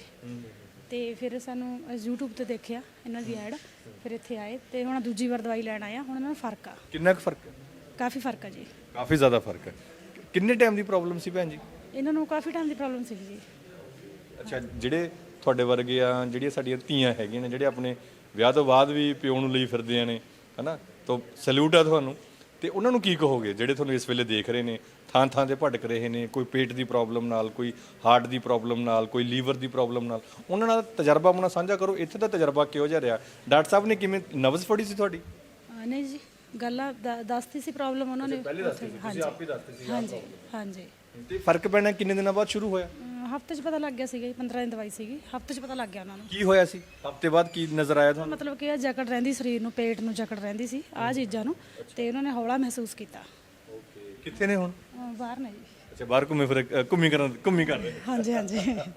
S12: ਤੇ ਫਿਰ ਸਾਨੂੰ YouTube ਤੇ ਦੇਖਿਆ ਇਹਨਾਂ ਦੀ ਐਡ, ਫਿਰ ਇੱਥੇ ਆਏ ਤੇ ਹੁਣ ਦੂਜੀ ਵਾਰ ਦਵਾਈ ਲੈਣ ਆਇਆ। ਹੁਣ ਇਹਨਾਂ ਨੂੰ ਫਰਕ ਆ।
S4: ਕਿੰਨਾ ਕੁ ਫਰਕ ਹੈ?
S12: ਕਾਫੀ ਫਰਕ ਆ ਜੀ।
S4: ਕਾਫੀ ਜ਼ਿਆਦਾ ਫਰਕ ਹੈ। ਕਿੰਨੇ ਟਾਈਮ ਦੀ ਪ੍ਰੋਬਲਮ ਸੀ ਭੈਣ ਜੀ?
S12: ਇਹਨਾਂ ਨੂੰ ਕਾਫੀ ਟਾਈਮ ਦੀ ਪ੍ਰੋਬਲਮ ਸੀ ਜੀ।
S4: ਅੱਛਾ, ਜਿਹੜੇ ਤੁਹਾਡੇ ਵਰਗੇ ਆ, ਜਿਹੜੀਆਂ ਸਾਡੀਆਂ ਧੀਆਂ ਹੈਗੀਆਂ ਨੇ, ਜਿਹੜੇ ਆਪਣੇ ਵਿਆਹ ਤੋਂ ਬਾਅਦ ਵੀ ਪਿਓ ਨੂੰ ਲਈ ਫਿਰਦੇ ਨੇ, ਹਨਾ, ਤਾਂ ਸੈਲੂਟ ਆ ਤੁਹਾਨੂੰ। ਤੇ ਉਹਨਾਂ ਨੂੰ ਕੀ ਕਹੋਗੇ ਜਿਹੜੇ ਤੁਹਾਨੂੰ ਇਸ ਵੇਲੇ ਦੇਖ ਰਹੇ ਨੇ, ਥਾਂ ਥਾਂ ਤੇ ਭਟਕ ਰਹੇ ਨੇ, ਕੋਈ ਪੇਟ ਦੀ ਪ੍ਰੋਬਲਮ ਨਾਲ, ਕੋਈ ਹਾਰਟ ਦੀ ਪ੍ਰੋਬਲਮ ਨਾਲ, ਕੋਈ ਲੀਵਰ ਦੀ ਪ੍ਰੋਬਲਮ ਨਾਲ? ਉਹਨਾਂ ਨਾਲ ਤਜਰਬਾ ਆਪਣਾ ਸਾਂਝਾ ਕਰੋ। ਇੱਥੇ ਦਾ ਤਜਰਬਾ ਕਿਹੋ ਜਿਹਾ ਰਿਹਾ? ਡਾਕਟਰ ਸਾਹਿਬ ਨੇ ਕਿਵੇਂ ਨਬਜ਼ ਫੜੀ ਸੀ ਤੁਹਾਡੀ?
S12: ਨਹੀਂ ਜੀ, ਗੱਲਾਂ ਦੱਸਤੀ ਸੀ ਪ੍ਰੋਬਲਮ ਉਹਨਾਂ ਨੇ।
S4: ਪਹਿਲੇ ਦੱਸਤੀ ਸੀ, ਤੁਸੀਂ ਆਪ ਹੀ ਦੱਸਤੀ ਸੀ?
S12: ਹਾਂਜੀ ਹਾਂਜੀ।
S4: ਤੇ ਫਰਕ ਪੈਣਾ ਕਿੰਨੇ ਦਿਨਾਂ ਬਾਅਦ ਸ਼ੁਰੂ ਹੋਇਆ?
S12: ਹਫਤੇ 'ਚ ਪਤਾ ਲੱਗ ਗਿਆ ਸੀਗਾ ਜੀ। 15 ਦਿਨ ਦਵਾਈ ਸੀਗੀ, ਹਫਤੇ 'ਚ ਪਤਾ ਲੱਗ ਗਿਆ ਉਹਨਾਂ ਨੂੰ।
S4: ਕੀ ਹੋਇਆ ਸੀ ਹਫਤੇ ਬਾਅਦ? ਕੀ ਨਜ਼ਰ ਆਇਆ ਤੁਹਾਨੂੰ?
S12: ਮਤਲਬ ਕਿ ਜਕੜ ਰਹਿੰਦੀ ਸਰੀਰ ਨੂੰ, ਪੇਟ ਨੂੰ ਜਕੜ ਰਹਿੰਦੀ ਸੀ, ਆਹ ਚੀਜ਼ਾਂ ਨੂੰ, ਤੇ ਉਹਨਾਂ ਨੇ ਹੌਲਾ ਮਹਿਸੂਸ ਕੀਤਾ।
S4: ਓਕੇ, ਕਿੱਥੇ ਨੇ ਹੁਣ?
S12: ਬਾਹਰ ਨੇ ਜੀ।
S4: ਅੱਛਾ, ਬਾਹਰ ਘੁੰਮੀ ਕਰ ਰਹੇ?
S12: ਹਾਂਜੀ ਹਾਂਜੀ।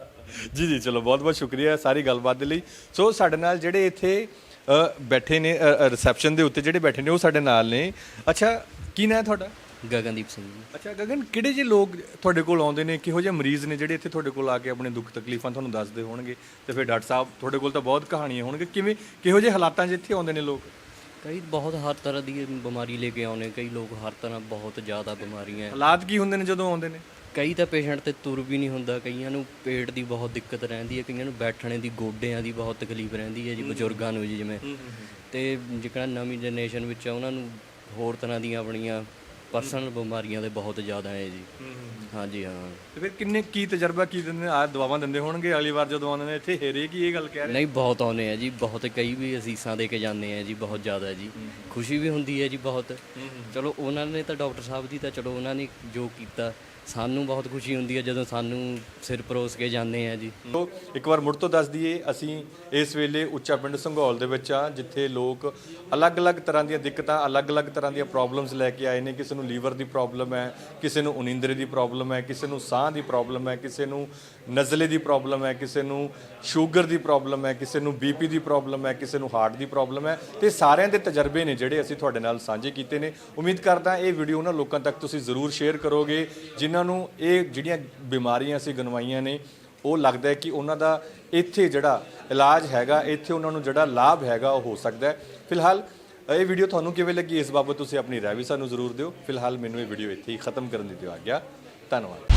S4: ਜੀ ਜੀ, ਚਲੋ ਬਹੁਤ ਬਹੁਤ ਸ਼ੁਕਰੀਆ ਸਾਰੀ ਗੱਲਬਾਤ ਦੇ ਲਈ। ਸੋ ਸਾਡੇ ਨਾਲ ਜਿਹੜੇ ਇੱਥੇ ਬੈਠੇ ਨੇ ਰਿਸੈਪਸ਼ਨ ਦੇ ਉੱਤੇ, ਜਿਹੜੇ ਬੈਠੇ ਨੇ ਉਹ ਸਾਡੇ ਨਾਲ ਨੇ। ਅੱਛਾ, ਕੀ ਨਾਂ ਹੈ ਤੁਹਾਡਾ?
S8: ਗਗਨਦੀਪ ਸਿੰਘ ਜੀ।
S4: ਅੱਛਾ ਗਗਨ, ਕਿਹੜੇ ਜਿਹੇ ਲੋਕ ਤੁਹਾਡੇ ਕੋਲ ਆਉਂਦੇ ਨੇ, ਕਿਹੋ ਜਿਹੇ ਮਰੀਜ਼ ਨੇ ਜਿਹੜੇ ਇੱਥੇ ਤੁਹਾਡੇ ਕੋਲ ਆ ਕੇ ਆਪਣੇ ਦੁੱਖ ਤਕਲੀਫਾਂ ਤੁਹਾਨੂੰ ਦੱਸਦੇ ਹੋਣਗੇ? ਤੇ ਫਿਰ ਡਾਕਟਰ ਸਾਹਿਬ ਤੁਹਾਡੇ ਕੋਲ ਤਾਂ ਬਹੁਤ ਕਹਾਣੀਆਂ ਹੋਣਗੇ, ਕਿਹੋ ਜਿਹੇ ਹਾਲਾਤਾਂ 'ਚ ਇੱਥੇ ਆਉਂਦੇ ਨੇ ਲੋਕ?
S8: ਕਈ ਬਹੁਤ ਹਰ ਤਰ੍ਹਾਂ ਦੀ ਬਿਮਾਰੀ ਲੈ ਕੇ ਆਉਣੇ, ਕਈ ਲੋਕ ਹਰ ਤਰ੍ਹਾਂ ਬਹੁਤ ਜ਼ਿਆਦਾ ਬਿਮਾਰੀਆਂ।
S4: ਹਾਲਾਤ ਕੀ ਹੁੰਦੇ ਨੇ ਜਦੋਂ ਆਉਂਦੇ ਨੇ?
S8: ਕਈ ਤਾਂ ਪੇਸ਼ੈਂਟ ਤੇ ਤੁਰ ਵੀ ਨਹੀਂ ਹੁੰਦਾ, ਕਈਆਂ ਨੂੰ ਪੇਟ ਦੀ ਬਹੁਤ ਦਿੱਕਤ ਰਹਿੰਦੀ ਹੈ, ਕਈਆਂ ਨੂੰ ਬੈਠਣੇ ਦੀ ਗੋਡਿਆਂ ਦੀ ਬਹੁਤ ਤਕਲੀਫ ਰਹਿੰਦੀ ਹੈ ਜੀ, ਬਜ਼ੁਰਗਾਂ ਨੂੰ ਜੀ ਜਿਵੇਂ। ਤੇ ਜਿਹੜਾ ਨਵੀਂ ਜਨਰੇਸ਼ਨ ਵਿੱਚ ਆ ਉਹਨਾਂ ਨੂੰ ਹੋਰ ਤਰ੍ਹਾਂ ਦੀਆਂ ਆਪਣੀਆਂ ਪਰਸਨਲ ਬਿਮਾਰੀਆਂ ਦੇ ਬਹੁਤ ਜ਼ਿਆਦਾ ਹੈ ਜੀ। ਹਾਂਜੀ ਹਾਂ।
S4: ਤੇ ਫਿਰ ਕਿੰਨੇ ਕੀ ਤਜਰਬਾ ਕੀ ਦਿੰਦੇ ਆ ਦਵਾਵਾਂ ਦਿੰਦੇ ਹੋਣਗੇ ਅਗਲੀ ਵਾਰ ਜਦੋਂ ਆਉਂਦੇ ਨੇ ਇੱਥੇ ਹੇਰੇ ਕੀ ਇਹ ਗੱਲ ਕਹਿ ਰਹੇ?
S8: ਨਹੀਂ, ਬਹੁਤ ਆਉਂਦੇ ਆ ਜੀ, ਬਹੁਤ ਕਈ ਵੀ ਅਸੀਸਾਂ ਦੇ ਕੇ ਜਾਂਦੇ ਆ ਜੀ, ਬਹੁਤ ਜ਼ਿਆਦਾ ਜੀ। ਖੁਸ਼ੀ ਵੀ ਹੁੰਦੀ ਹੈ ਜੀ ਬਹੁਤ। ਚਲੋ ਉਹਨਾਂ ਨੇ ਤਾਂ ਡਾਕਟਰ ਸਾਹਿਬ ਦੀ ਤਾਂ ਚਲੋ ਉਹਨਾਂ ਨੇ ਜੋ ਕੀਤਾ, ਸਾਨੂੰ ਬਹੁਤ ਖੁਸ਼ੀ ਹੁੰਦੀ ਹੈ ਜਦੋਂ ਸਾਨੂੰ ਸਿਰ ਪਰੋਸ ਕੇ ਜਾਂਦੇ ਆ ਜੀ।
S4: ਸੋ ਇੱਕ ਵਾਰ ਮੁੜ ਤੋਂ ਦੱਸ ਦਈਏ, ਅਸੀਂ ਇਸ ਵੇਲੇ ਉੱਚਾ ਪਿੰਡ ਸੰਘੌਲ ਦੇ ਵਿੱਚ ਆ, ਜਿੱਥੇ ਲੋਕ ਅਲੱਗ-ਅਲੱਗ ਤਰ੍ਹਾਂ ਦੀਆਂ ਦਿੱਕਤਾਂ, ਅਲੱਗ-ਅਲੱਗ ਤਰ੍ਹਾਂ ਦੀਆਂ ਪ੍ਰੋਬਲਮਸ ਲੈ ਕੇ ਆਏ ਨੇ। ਕਿਸੇ ਨੂੰ ਲੀਵਰ ਦੀ ਪ੍ਰੋਬਲਮ ਹੈ, ਕਿਸੇ ਨੂੰ ਉਨੀਂਦਰੇ ਦੀ ਪ੍ਰੋਬਲਮ ਹੈ, ਕਿਸੇ ਨੂੰ ਸਾਹ ਦੀ ਪ੍ਰੋਬਲਮ ਹੈ, ਕਿਸੇ ਨੂੰ ਨਜ਼ਲੇ ਦੀ ਪ੍ਰੋਬਲਮ ਹੈ, ਕਿਸੇ ਨੂੰ ਸ਼ੂਗਰ ਦੀ ਪ੍ਰੋਬਲਮ ਹੈ, ਕਿਸੇ ਨੂੰ ਬੀਪੀ ਦੀ ਪ੍ਰੋਬਲਮ ਹੈ, ਕਿਸੇ ਨੂੰ ਹਾਰਟ ਦੀ ਪ੍ਰੋਬਲਮ ਹੈ। ਤੇ ਸਾਰਿਆਂ ਦੇ ਤਜਰਬੇ ਨੇ ਜਿਹੜੇ ਅਸੀਂ ਤੁਹਾਡੇ ਨਾਲ ਸਾਂਝੇ ਕੀਤੇ ਨੇ। ਉਮੀਦ ਕਰਦਾ ਇਹ ਵੀਡੀਓ ਉਹਨਾਂ ਲੋਕਾਂ ਤੱਕ ਤੁਸੀਂ ਜ਼ਰੂਰ ਸ਼ੇਅਰ ਕਰੋਗੇ ਜਿਨ੍ਹਾਂ ਨੂੰ ਇਹ ਜਿਹੜੀਆਂ ਬਿਮਾਰੀਆਂ ਅਸੀਂ ਗਨਵਾਈਆਂ ਨੇ, ਉਹ ਲੱਗਦਾ ਹੈ ਕਿ ਉਹਨਾਂ ਦਾ ਇੱਥੇ ਜਿਹੜਾ ਇਲਾਜ ਹੈਗਾ, ਇੱਥੇ ਉਹਨਾਂ ਨੂੰ ਜਿਹੜਾ ਲਾਭ ਹੈਗਾ ਉਹ ਹੋ ਸਕਦਾ ਹੈ। ਫਿਲਹਾਲ ਇਹ ਵੀਡੀਓ ਤੁਹਾਨੂੰ ਕਿਵੇਂ ਲੱਗੀ, ਇਸ ਬਾਬਤ ਤੁਸੀਂ ਆਪਣੀ ਰਾਏ ਵੀ ਸਾਨੂੰ ਜ਼ਰੂਰ ਦਿਓ। ਫਿਲਹਾਲ ਮੈਨੂੰ ਇਹ ਵੀਡੀਓ ਇੱਥੇ ਹੀ ਖਤਮ ਕਰਨ ਦੀ ਦਿਓ ਆਗਿਆ। ਧੰਨਵਾਦ।